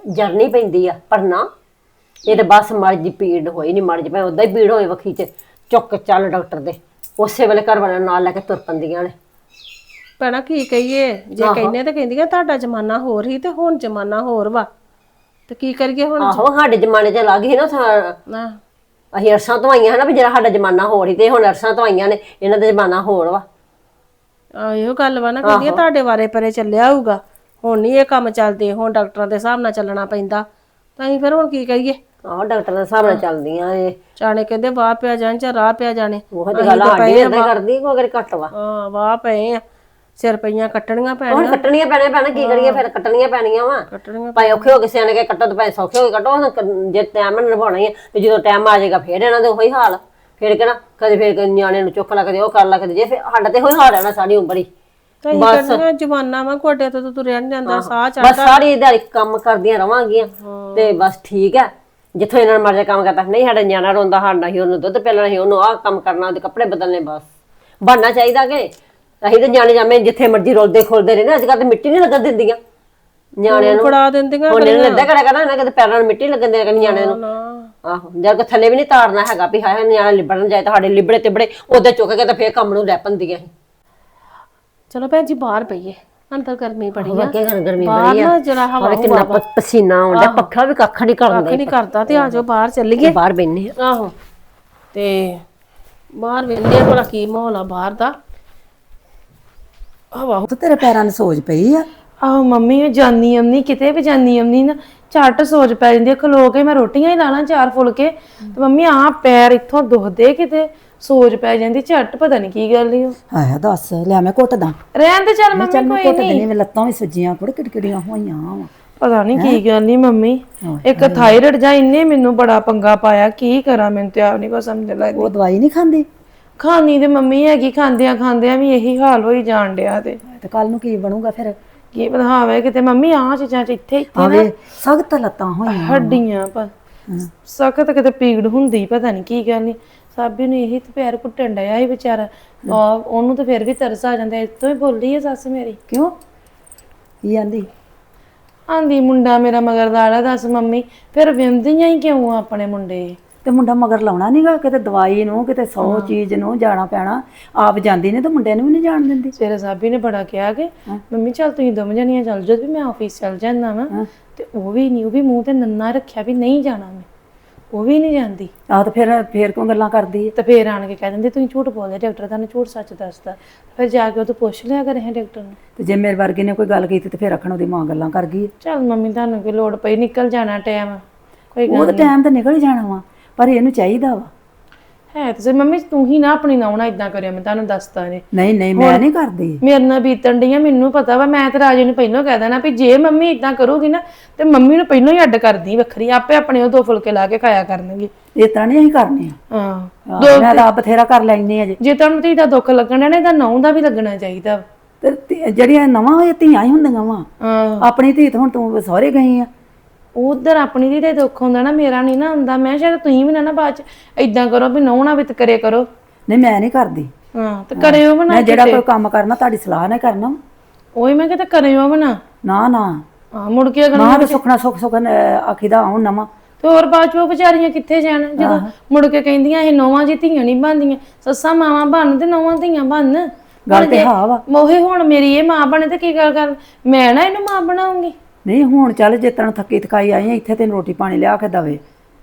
[SPEAKER 4] ਜਰਨੀ ਪੈਂਦੀ ਆ, ਪਰ ਨਾ ਇਹ ਤਾਂ ਬਸ ਮਰਜ਼ ਦੀ ਪੀੜ ਹੋਈ ਨਹੀਂ, ਮਰਜ਼ ਭਾਵੇਂ ਉਦਾਂ ਹੀ ਪੀੜ ਹੋਏ ਵੱਖੀ 'ਚ, ਚੁੱਕ ਕੇ ਚੱਲ ਡਾਕਟਰ ਦੇ, ਉਸੇ ਵੇਲੇ ਘਰ ਵਾਲਿਆਂ ਨੂੰ ਨਾਲ ਲੈ ਕੇ ਤੁਰ ਪੈਂਦੀਆਂ ਨੇ।
[SPEAKER 1] ਭੈਣਾ ਕੀ ਕਹੀਏ, ਜੇ ਕਹਿੰਦੇ ਤਾਂ ਕਹਿੰਦੀਆਂ ਤੁਹਾਡਾ ਜ਼ਮਾਨਾ ਹੋਰ ਹੀ ਤੇ ਹੁਣ ਜ਼ਮਾਨਾ ਹੋਰ ਵਾ, ਤੇ ਕੀ ਕਰੀਏ ਹੁਣ।
[SPEAKER 4] ਆਹੋ ਸਾਡੇ ਜ਼ਮਾਨੇ 'ਚ ਲੱਗ ਸੀ ਨਾ
[SPEAKER 1] ਨਾ
[SPEAKER 4] ਅਸੀਂ ਅਰਸਾਂ ਤੋਂ ਆਈਆਂ ਹੈ ਨਾ, ਵੀ ਜਿਹੜਾ ਸਾਡਾ ਜ਼ਮਾਨਾ ਹੋਰ ਹੀ ਤੇ ਹੁਣ ਅਰਸਾਂ ਤੋਂ ਆਈਆਂ ਨੇ, ਇਹਨਾਂ ਦਾ ਜ਼ਮਾਨਾ ਹੋਰ ਵਾ।
[SPEAKER 1] ਇਹੋ ਗੱਲ ਵਾ ਨਾ, ਕਹਿੰਦੀਆਂ ਤੁਹਾਡੇ ਵਾਰੇ ਪਰੇ ਚੱਲਿਆ ਹੋਊਗਾ, ਹੁਣ ਨਹੀਂ ਇਹ ਕੰਮ ਚੱਲਦੇ, ਹੁਣ ਡਾਕਟਰਾਂ ਦੇ ਹਿਸਾਬ ਨਾਲ ਚੱਲਣਾ ਪੈਂਦਾ, ਤਾਂ ਅਸੀਂ ਫਿਰ ਹੁਣ ਕੀ ਕਰੀਏ।
[SPEAKER 4] ਆਹੋ ਡਾਕਟਰ ਦੇ ਹਿਸਾਬ ਨਾਲ ਚੱਲਦੀਆਂ ਇਹ,
[SPEAKER 1] ਜਾਣੇ ਕਹਿੰਦੇ ਵਾਹ ਪਿਆ ਜਾਣ ਜਾਂ ਰਾਹ ਪਿਆ ਜਾਣੇ।
[SPEAKER 4] ਉਹ ਤੇ ਗੱਲ ਸਾਡੀ ਵੀ ਏਦਾਂ ਕਰਦੀ, ਕੋਈ ਅਗਰ ਘੱਟ ਵਾ।
[SPEAKER 1] ਹਾਂ ਵਾਹ ਪਏ ਆ, ਸਿਰ ਪਈਆਂ ਕੱਟਣੀਆਂ
[SPEAKER 4] ਹੁਣ
[SPEAKER 1] ਪੈਣੀਆਂ।
[SPEAKER 4] ਕੱਟਣੀਆਂ ਪੈਣੀਆਂ ਭੈਣ, ਕੀ ਕਰੀਏ ਫਿਰ, ਕੱਟਣੀਆਂ ਪੈਣੀਆਂ ਵਾ।
[SPEAKER 1] ਕੱਟਣੀਆਂ
[SPEAKER 4] ਭਾਵੇਂ ਔਖੇ ਹੋ ਕੇ ਸਿਆਣੇ ਕੇ ਕੱਟੋ ਤੇ ਭਾਵੇਂ ਸੌਖੇ ਹੋ ਕੇ ਕੱਟੋ, ਜੇ ਟਾਈਮ ਨਾਲ ਨਿਭਾਉਣਾ ਹੀ ਆ, ਤੇ ਜਦੋਂ ਟਾਈਮ ਆ ਜਾਏਗਾ ਫਿਰ ਇਹਨਾਂ ਦੇ ਉਹੀ ਹਾਲ, ਫਿਰ ਕਹਿਣਾ ਕਦੇ ਫਿਰ ਨਿਆਣੇ ਨੂੰ ਚੁੱਕ ਲਾ, ਕਦੇ ਉਹ ਕਰ ਲਾ, ਕਦੇ ਜੇ, ਫਿਰ ਸਾਡਾ ਤੇ ਉਹੀ ਹਾਲ ਰਹਿਣਾ ਸਾਰੀ ਉਮਰ ਹੀ।
[SPEAKER 1] ਬਸ ਜਵਾਨਾ ਵਾ, ਗੋਡੇ ਤੋਂ ਤੁਰਿਆ ਨੀ ਜਾਂਦਾ, ਸਾਹ ਚੜਦਾ।
[SPEAKER 4] ਬਸ ਸਾਰੀ ਦਿਹਾੜੀ ਕੰਮ ਕਰਦੀਆਂ ਰਵਾਂਗੀਆਂ ਤੇ ਬਸ ਠੀਕ ਹੈ, ਜਿੱਥੋਂ ਇਹਨਾਂ ਮਰਜ਼ੀ ਕੰਮ ਕਰਦਾ। ਨਹੀਂ ਸਾਡਾ ਨਿਆਣਾ ਰੋਂਦਾ, ਸਾਡਾ ਹੀ ਉਹਨੂੰ ਦੁੱਧ ਪਿਲਾਣਾ ਸੀ, ਉਹਨੂੰ ਆਹ ਕੰਮ ਕਰਨਾ, ਉਹਦੇ ਕੱਪੜੇ ਬਦਲਨੇ, ਬਸ ਬਣਨਾ ਚਾਹੀਦਾ ਕਿ ਅਸੀਂ ਤਾਂ ਨਿਆਣੇ ਜਾਵੇਂ ਜਿੱਥੇ ਮਰਜ਼ੀ ਰੋਲਦੇ ਖੋਲਦੇ ਰਹਿੰਦੇ। ਅੱਜ ਕੱਲ੍ਹ ਤੇ ਮਿੱਟੀ ਨਹੀਂ ਲੱਗਣ ਦਿੰਦੀਆਂ ਨਿਆਣਿਆਂ ਨੂੰ,
[SPEAKER 1] ਫੜਾ ਦਿੰਦੀਆਂ।
[SPEAKER 4] ਹੁਣ ਇਹਨਾਂ ਏਦਾਂ ਕਰਿਆ ਕਰਨਾ, ਇਹਨਾਂ ਕਿਤੇ ਪੈਰਾਂ ਨੂੰ ਮਿੱਟੀ ਲੱਗਣ ਦੇ ਕਰਨੀ ਨਿਆਣਿਆਂ ਨੂੰ। ਆਹੋ ਜਦ ਥੱਲੇ ਵੀ ਨਹੀਂ ਤਾਰਨਾ ਹੈਗਾ ਵੀ ਹਾਏ ਨਿਆਣਾ ਲਿਬੜਨ ਜਾਏ, ਤਾਂ ਸਾਡੇ ਲਿਬੜੇ ਤਿਬੜੇ ਉਹਦੇ ਚੁੱਕ ਕੇ ਤਾਂ ਫੇਰ ਕੰਮ ਨੂੰ ਲੈ ਪੈਂਦੀਆਂ ਸੀ।
[SPEAKER 1] ਚਲੋ ਭੈਣ ਜੀ ਬਾਹਰ ਪਈਏ, ਅੰਦਰ ਗਰਮੀ ਬੜੀ ਆ,
[SPEAKER 4] ਕਿ ਗਰਮੀ
[SPEAKER 1] ਬਾਹਰ
[SPEAKER 4] ਬੜੀ
[SPEAKER 1] ਨਾ
[SPEAKER 4] ਆ,
[SPEAKER 1] ਜਰਾ ਹਵਾ
[SPEAKER 4] ਕਿੰਨਾ ਪਸੀਨਾ ਆਉਂਦਾ, ਪੱਖਾ ਵੀ ਕੱਖ ਨਹੀਂ ਕਰਦਾ,
[SPEAKER 1] ਨਹੀਂ ਕਰਦਾ। ਤੇ ਆਜੋ ਬਾਹਰ ਚੱਲੀਏ,
[SPEAKER 4] ਬਾਹਰ ਬੈਠਨੇ ਆ।
[SPEAKER 1] ਆਹੋ ਤੇ ਬਾਹਰ ਵੇਖਦੇ ਭਲਾ ਕੀ ਮਾਹੌਲ ਆ ਬਾਹਰ ਦਾ। ਹਵਾ
[SPEAKER 5] ਤੇ ਤੇਰੇ ਪੈਰਾਂ ਨੂੰ ਸੋਜ ਪਈ ਆ।
[SPEAKER 2] ਆਹੋ ਮੰਮੀ ਮੈਂ ਜਾਨੀ ਆਮਨੀ, ਕਿਤੇ ਵੀ ਜਾਨੀ ਆਮਨੀ ਨਾ ਝੱਟ ਸੋਚ ਪੈ ਜਾਂਦੀ ਆ। ਖਲੋ ਕੇ ਮੈਂ ਰੋਟੀਆਂ ਹੀ ਲਾ ਲਾਂ 4 ਫੁਲਕੇ, ਤੇ ਮੰਮੀ ਆਹ ਪੈਰ ਇੱਥੋਂ ਦੁਖਦੇ, ਕਿਤੇ ਸੋਚ ਪੈ ਜਾਂਦੀ ਝੱਟ, ਪਤਾ ਨਹੀਂ ਕੀ ਗੱਲ ਈ।
[SPEAKER 5] ਆਇਆ ਦੱਸ, ਲਿਆ ਮੈਂ ਘੁੱਟਦਾ।
[SPEAKER 2] ਰਹਿਣ ਦੇ ਚੱਲ ਮੰਮੀ,
[SPEAKER 5] ਚੱਲ ਮੈਂ
[SPEAKER 2] ਕੋਈ
[SPEAKER 5] ਘੁੱਟ
[SPEAKER 2] ਨਹੀਂ।
[SPEAKER 5] ਦਿੰਦੀ, ਮੈਂ ਲੱਤਾਂ ਵੀ ਸੁੱਜੀਆਂ, ਕੁੜ ਕਿੜਕਿੜੀਆਂ ਹੋਈਆਂ ਵਾ।
[SPEAKER 2] ਪਤਾ ਨਹੀਂ ਕੀ ਗੱਲ ਨਹੀਂ ਮੰਮੀ, ਇੱਕ ਥਾਇਰਾਇਡ ਜਾਂ ਇੰਨੇ ਮੈਨੂੰ ਬੜਾ ਪੰਗਾ ਪਾਇਆ, ਕੀ ਕਰਾਂ ਮੈਨੂੰ ਤੇ ਆਪ ਨਹੀਂ ਕੋ ਸਮਝ ਲੱਗਦੀ।
[SPEAKER 5] ਉਹ ਦਵਾਈ ਨਹੀਂ ਖਾਂਦੀ
[SPEAKER 2] ਖਾਣੀ ਤੇ ਮੰਮੀ ਹੈਗੀ, ਖਾਂਦਿਆਂ ਖਾਂਦਿਆਂ ਵੀ ਇਹੀ ਹਾਲ ਹੋਈ ਜਾਣ ਡਿਆ। ਤੇ
[SPEAKER 5] ਕੱਲ ਨੂੰ ਕੀ ਬਣੂਗਾ ਫਿਰ?
[SPEAKER 2] ਕੀ ਬਣਾਵੇ ਕਿਤੇ ਮੰਮੀ, ਆਹ ਚੀਜ਼ਾਂ ਚ ਇੱਥੇ
[SPEAKER 5] ਆਵੇ ਸਖਤ ਲੱਤਾਂ ਹੋਈਆਂ,
[SPEAKER 2] ਹੱਡੀਆਂ ਪਰ ਸਖਤ, ਕਿਤੇ ਪੀੜ ਹੁੰਦੀ, ਪਤਾ ਨਹੀਂ ਕੀ ਗੱਲ ਨਹੀਂ। ਸਾਬੀ ਨੂੰ ਇਹੀ ਤੇ ਪੈਰ ਘੁੱਟਣ ਡਿਆ ਸੀ ਵਿਚਾਰਾ, ਉਹਨੂੰ ਤਾਂ ਫਿਰ ਵੀ ਤਰਸ ਆ ਜਾਂਦਾ। ਇੱਥੋਂ ਹੀ ਬੋਲੀ ਹੈ ਸੱਸ ਮੇਰੀ।
[SPEAKER 5] ਕਿਉਂ ਕੀ ਆਂਦੀ?
[SPEAKER 2] ਆਂਦੀ ਮੁੰਡਾ ਮੇਰਾ ਮਗਰ ਲਾੜਾ। ਦੱਸ ਮੰਮੀ, ਫਿਰ ਵਿੰਦੀਆਂ ਹੀ ਕਿਉਂ ਆ ਆਪਣੇ ਮੁੰਡੇ?
[SPEAKER 5] ਤੇ ਮੁੰਡਾ ਮਗਰ ਲਾਉਣਾ ਨਹੀਂਗਾ, ਕਿਤੇ ਦਵਾਈ ਨੂੰ, ਕਿਤੇ 100 ਚੀਜ਼ ਨੂੰ ਜਾਣਾ ਪੈਣਾ। ਆਪ ਜਾਂਦੀ ਨੇ ਤੇ ਮੁੰਡੇ ਨੂੰ ਵੀ ਨਹੀਂ ਜਾਣ ਦਿੰਦੀ।
[SPEAKER 2] ਸਵੇਰੇ ਸਾਬੀ ਨੇ ਬੜਾ ਕਿਹਾ ਕਿ ਮੰਮੀ ਚੱਲ ਤੁਸੀਂ ਦੋਵੇਂ ਜਣੀਆਂ ਚੱਲ ਜਾਓ, ਵੀ ਮੈਂ ਆਫਿਸ ਚੱਲ ਜਾਂਦਾ ਵਾ। ਤੇ ਉਹ ਵੀ ਨਹੀਂ, ਉਹ ਵੀ ਮੂੰਹ ਤੇ ਨੰਨਾ ਰੱਖਿਆ ਵੀ ਨਹੀਂ ਜਾਣਾ ਮੈਂ, ਉਹ ਵੀ ਨਹੀਂ ਜਾਂਦੀ।
[SPEAKER 5] ਆਹ ਤੇ ਫਿਰ ਕਿਉਂ ਗੱਲਾਂ ਕਰਦੀ ਹੈ?
[SPEAKER 2] ਤੇ ਫੇਰ ਆਣ ਕੇ ਕਹਿ ਦਿੰਦੀ ਤੁਸੀਂ ਝੂਠ ਬੋਲਦੇ, ਡਾਕਟਰ ਤੁਹਾਨੂੰ ਝੂਠ ਸੱਚ ਦੱਸਦਾ। ਫਿਰ ਜਾ ਕੇ ਉਹ ਤੋਂ ਪੁੱਛ ਲਿਆ ਕਰੇ ਡਾਕਟਰ ਨੂੰ।
[SPEAKER 5] ਤੇ ਜੇ ਮੇਰੇ ਵਰਗੇ ਨੇ ਕੋਈ ਗੱਲ ਕੀਤੀ ਤੇ ਫਿਰ ਆਖਣ ਉਹਦੀ ਮਾਂ ਗੱਲਾਂ ਕਰ ਗਈ।
[SPEAKER 2] ਚੱਲ ਮੰਮੀ ਤੁਹਾਨੂੰ ਕੀ ਲੋੜ ਪਈ, ਨਿਕਲ ਜਾਣਾ ਟਾਈਮ, ਕੋਈ ਗੱਲ
[SPEAKER 5] ਉਹ ਤਾਂ ਟਾਈਮ ਤਾਂ ਨਿਕਲ ਹੀ ਜਾਣਾ ਵਾ, ਪਰ ਇਹਨੂੰ ਚਾਹੀਦਾ ਵਾ।
[SPEAKER 2] ਹੈ ਤੇ ਮੰਮੀ ਤੂੰ ਹੀ ਨਾ ਆਪਣੀ ਨਾਉਣਾ ਇਦਾਂ ਕਰਿਆ, ਮੈਂ ਤੁਹਾਨੂੰ ਦੱਸਦਾ ਨੇ।
[SPEAKER 5] ਨਹੀਂ ਮੈਂ ਨਹੀਂ ਕਰਦੀ।
[SPEAKER 2] ਮੇਰੇ ਨਾਲ ਬੀਤਣ ਡੀਆਂ, ਮੈਨੂੰ ਪਤਾ ਵਾ। ਮੈਂ ਤੇ ਰਾਜੇ ਨੂੰ ਪਹਿਲਾਂ ਕਹਿ ਦੇਣਾ ਵੀ ਜੇ ਮੰਮੀ ਇਦਾਂ ਕਰੂਗੀ ਨਾ, ਤੇ ਮੰਮੀ ਨੂੰ ਪਹਿਲਾਂ ਹੀ ਅੱਡ ਕਰਦੀ ਵੱਖਰੀ, ਆਪੇ ਆਪਣੇ ਉਹ 2 ਫੁਲਕੇ ਲਾ ਕੇ ਖਾਇਆ ਕਰਨਗੇ।
[SPEAKER 5] ਇਸ ਤਰ੍ਹਾਂ ਨਹੀਂ ਅਸੀਂ ਕਰਨੇ ਆ।
[SPEAKER 2] ਹਾਂ
[SPEAKER 5] ਮੈਂ ਤਾਂ ਆਪ ਬਥੇਰਾ ਕਰ ਲੈਣੀ ਅਜੇ।
[SPEAKER 2] ਜੇ ਤੁਹਾਨੂੰ ਧੀ ਦਾ ਦੁੱਖ ਲੱਗਣਾ ਨਾ, ਇਹਦਾ ਨਾਉ ਦਾ ਵੀ ਲੱਗਣਾ ਚਾਹੀਦਾ।
[SPEAKER 5] ਤੇ ਜਿਹੜੀਆਂ ਨਵਾਂ ਹੋਏ ਧੀਆਂ ਹੀ ਹੁੰਦੀਆਂ ਵਾ।
[SPEAKER 2] ਹਾਂ
[SPEAKER 5] ਆਪਣੀ ਧੀ ਤਾਂ ਹੁਣ ਤੂੰ ਸਹੁਰੇ ਗਈ ਆ।
[SPEAKER 2] ਉਧਰ ਆਪਣੀ ਧੀ ਦਾ ਦੁੱਖ ਹੁੰਦਾ ਨਾ, ਮੇਰਾ ਨਹੀਂ ਨਾ ਹੁੰਦਾ। ਮੈਂ ਸ਼ਾਇਦ ਤੁਸੀਂ ਵੀ ਨਾ ਬਾਅਦ ਚ ਏਦਾਂ ਕਰੋ ਵੀ ਨਾਉ ਨਾ ਵਿਤ ਕਰੇ ਕਰੋ।
[SPEAKER 5] ਨਹੀਂ ਮੈਂ ਨਹੀਂ ਕਰਦੀ।
[SPEAKER 2] ਹਾਂ ਤੇ ਕਰਿਓ ਬਣਾ।
[SPEAKER 5] ਮੈਂ ਜਿਹੜਾ ਕੋਈ ਕੰਮ ਕਰਨਾ ਤੁਹਾਡੀ ਸਲਾਹ ਨਾਲ ਕਰਨਾ।
[SPEAKER 2] ਉਹੀ ਮੈਂ ਕਿਤੇ ਕਰਿਓ ਬਣਾ।
[SPEAKER 5] ਨਾ
[SPEAKER 2] ਹਾਂ ਮੁੜ ਕੇ ਅਗਰ
[SPEAKER 5] ਨਾ ਤੇ ਸੁਖਣਾ ਸੁਖ ਆਖੀਦਾ ਆਉਂ ਨਵਾਂ।
[SPEAKER 2] ਤੇ ਹੋਰ ਬਾਅਦ ਚ ਉਹ ਵਿਚਾਰੀਆਂ ਕਿੱਥੇ ਜਾਣ, ਜਦੋਂ ਮੁੜ ਕੇ ਕਹਿੰਦੀਆਂ ਇਹ ਨੌਵਾਂ ਜੀ ਧੀਆਂ ਨਹੀਂ ਬਣਦੀਆਂ, ਸੱਸਾਂ ਮਾਵਾਂ ਬਣ ਤੇ ਨੌਵਾਂ ਧੀਆਂ ਬਣ।
[SPEAKER 5] ਗੱਲ ਤੇ ਹਾਂ ਵਾ।
[SPEAKER 2] ਮੋਹੇ ਹੁਣ ਮੇਰੀ ਇਹ ਮਾਂ ਬਣੇ ਤੇ ਕੀ ਕਰ ਮੈਂ ਨਾ ਇਹਨੂੰ ਮਾਂ ਬਣਾਉਂਗੀ।
[SPEAKER 5] ਨਹੀਂ ਹੁਣ ਚੱਲ ਜੇ ਤੈਨੂੰ ਥੱਕੀ ਥਕਾਈ ਆਈ ਆ, ਇੱਥੇ ਤੈਨੂੰ ਰੋਟੀ ਪਾਣੀ ਲਿਆ ਕੇ ਦਵੇ।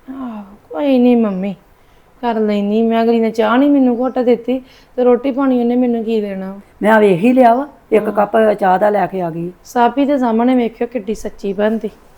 [SPEAKER 2] ਕੋਈ ਨਹੀਂ ਮੰਮੀ ਕਰ ਲੈਣੀ ਮੈਂ। ਅਗਲੀ ਨੇ ਚਾਹ ਨਹੀਂ ਮੈਨੂੰ ਘੁੱਟ ਦਿੱਤੀ, ਤੇ ਰੋਟੀ ਪਾਣੀ ਉਹਨੇ ਮੈਨੂੰ ਕੀ ਦੇਣਾ।
[SPEAKER 5] ਮੈਂ ਆ ਵੇਖ ਹੀ ਲਿਆ ਵਾ, 1 ਕੱਪ ਚਾਹ ਦਾ ਲੈ ਕੇ ਆ ਗਈ।
[SPEAKER 2] ਸਾਬੀ ਦੇ ਸਾਹਮਣੇ ਵੇਖਿਓ ਕਿੱਡੀ ਸੱਚੀ ਬਣਦੀ।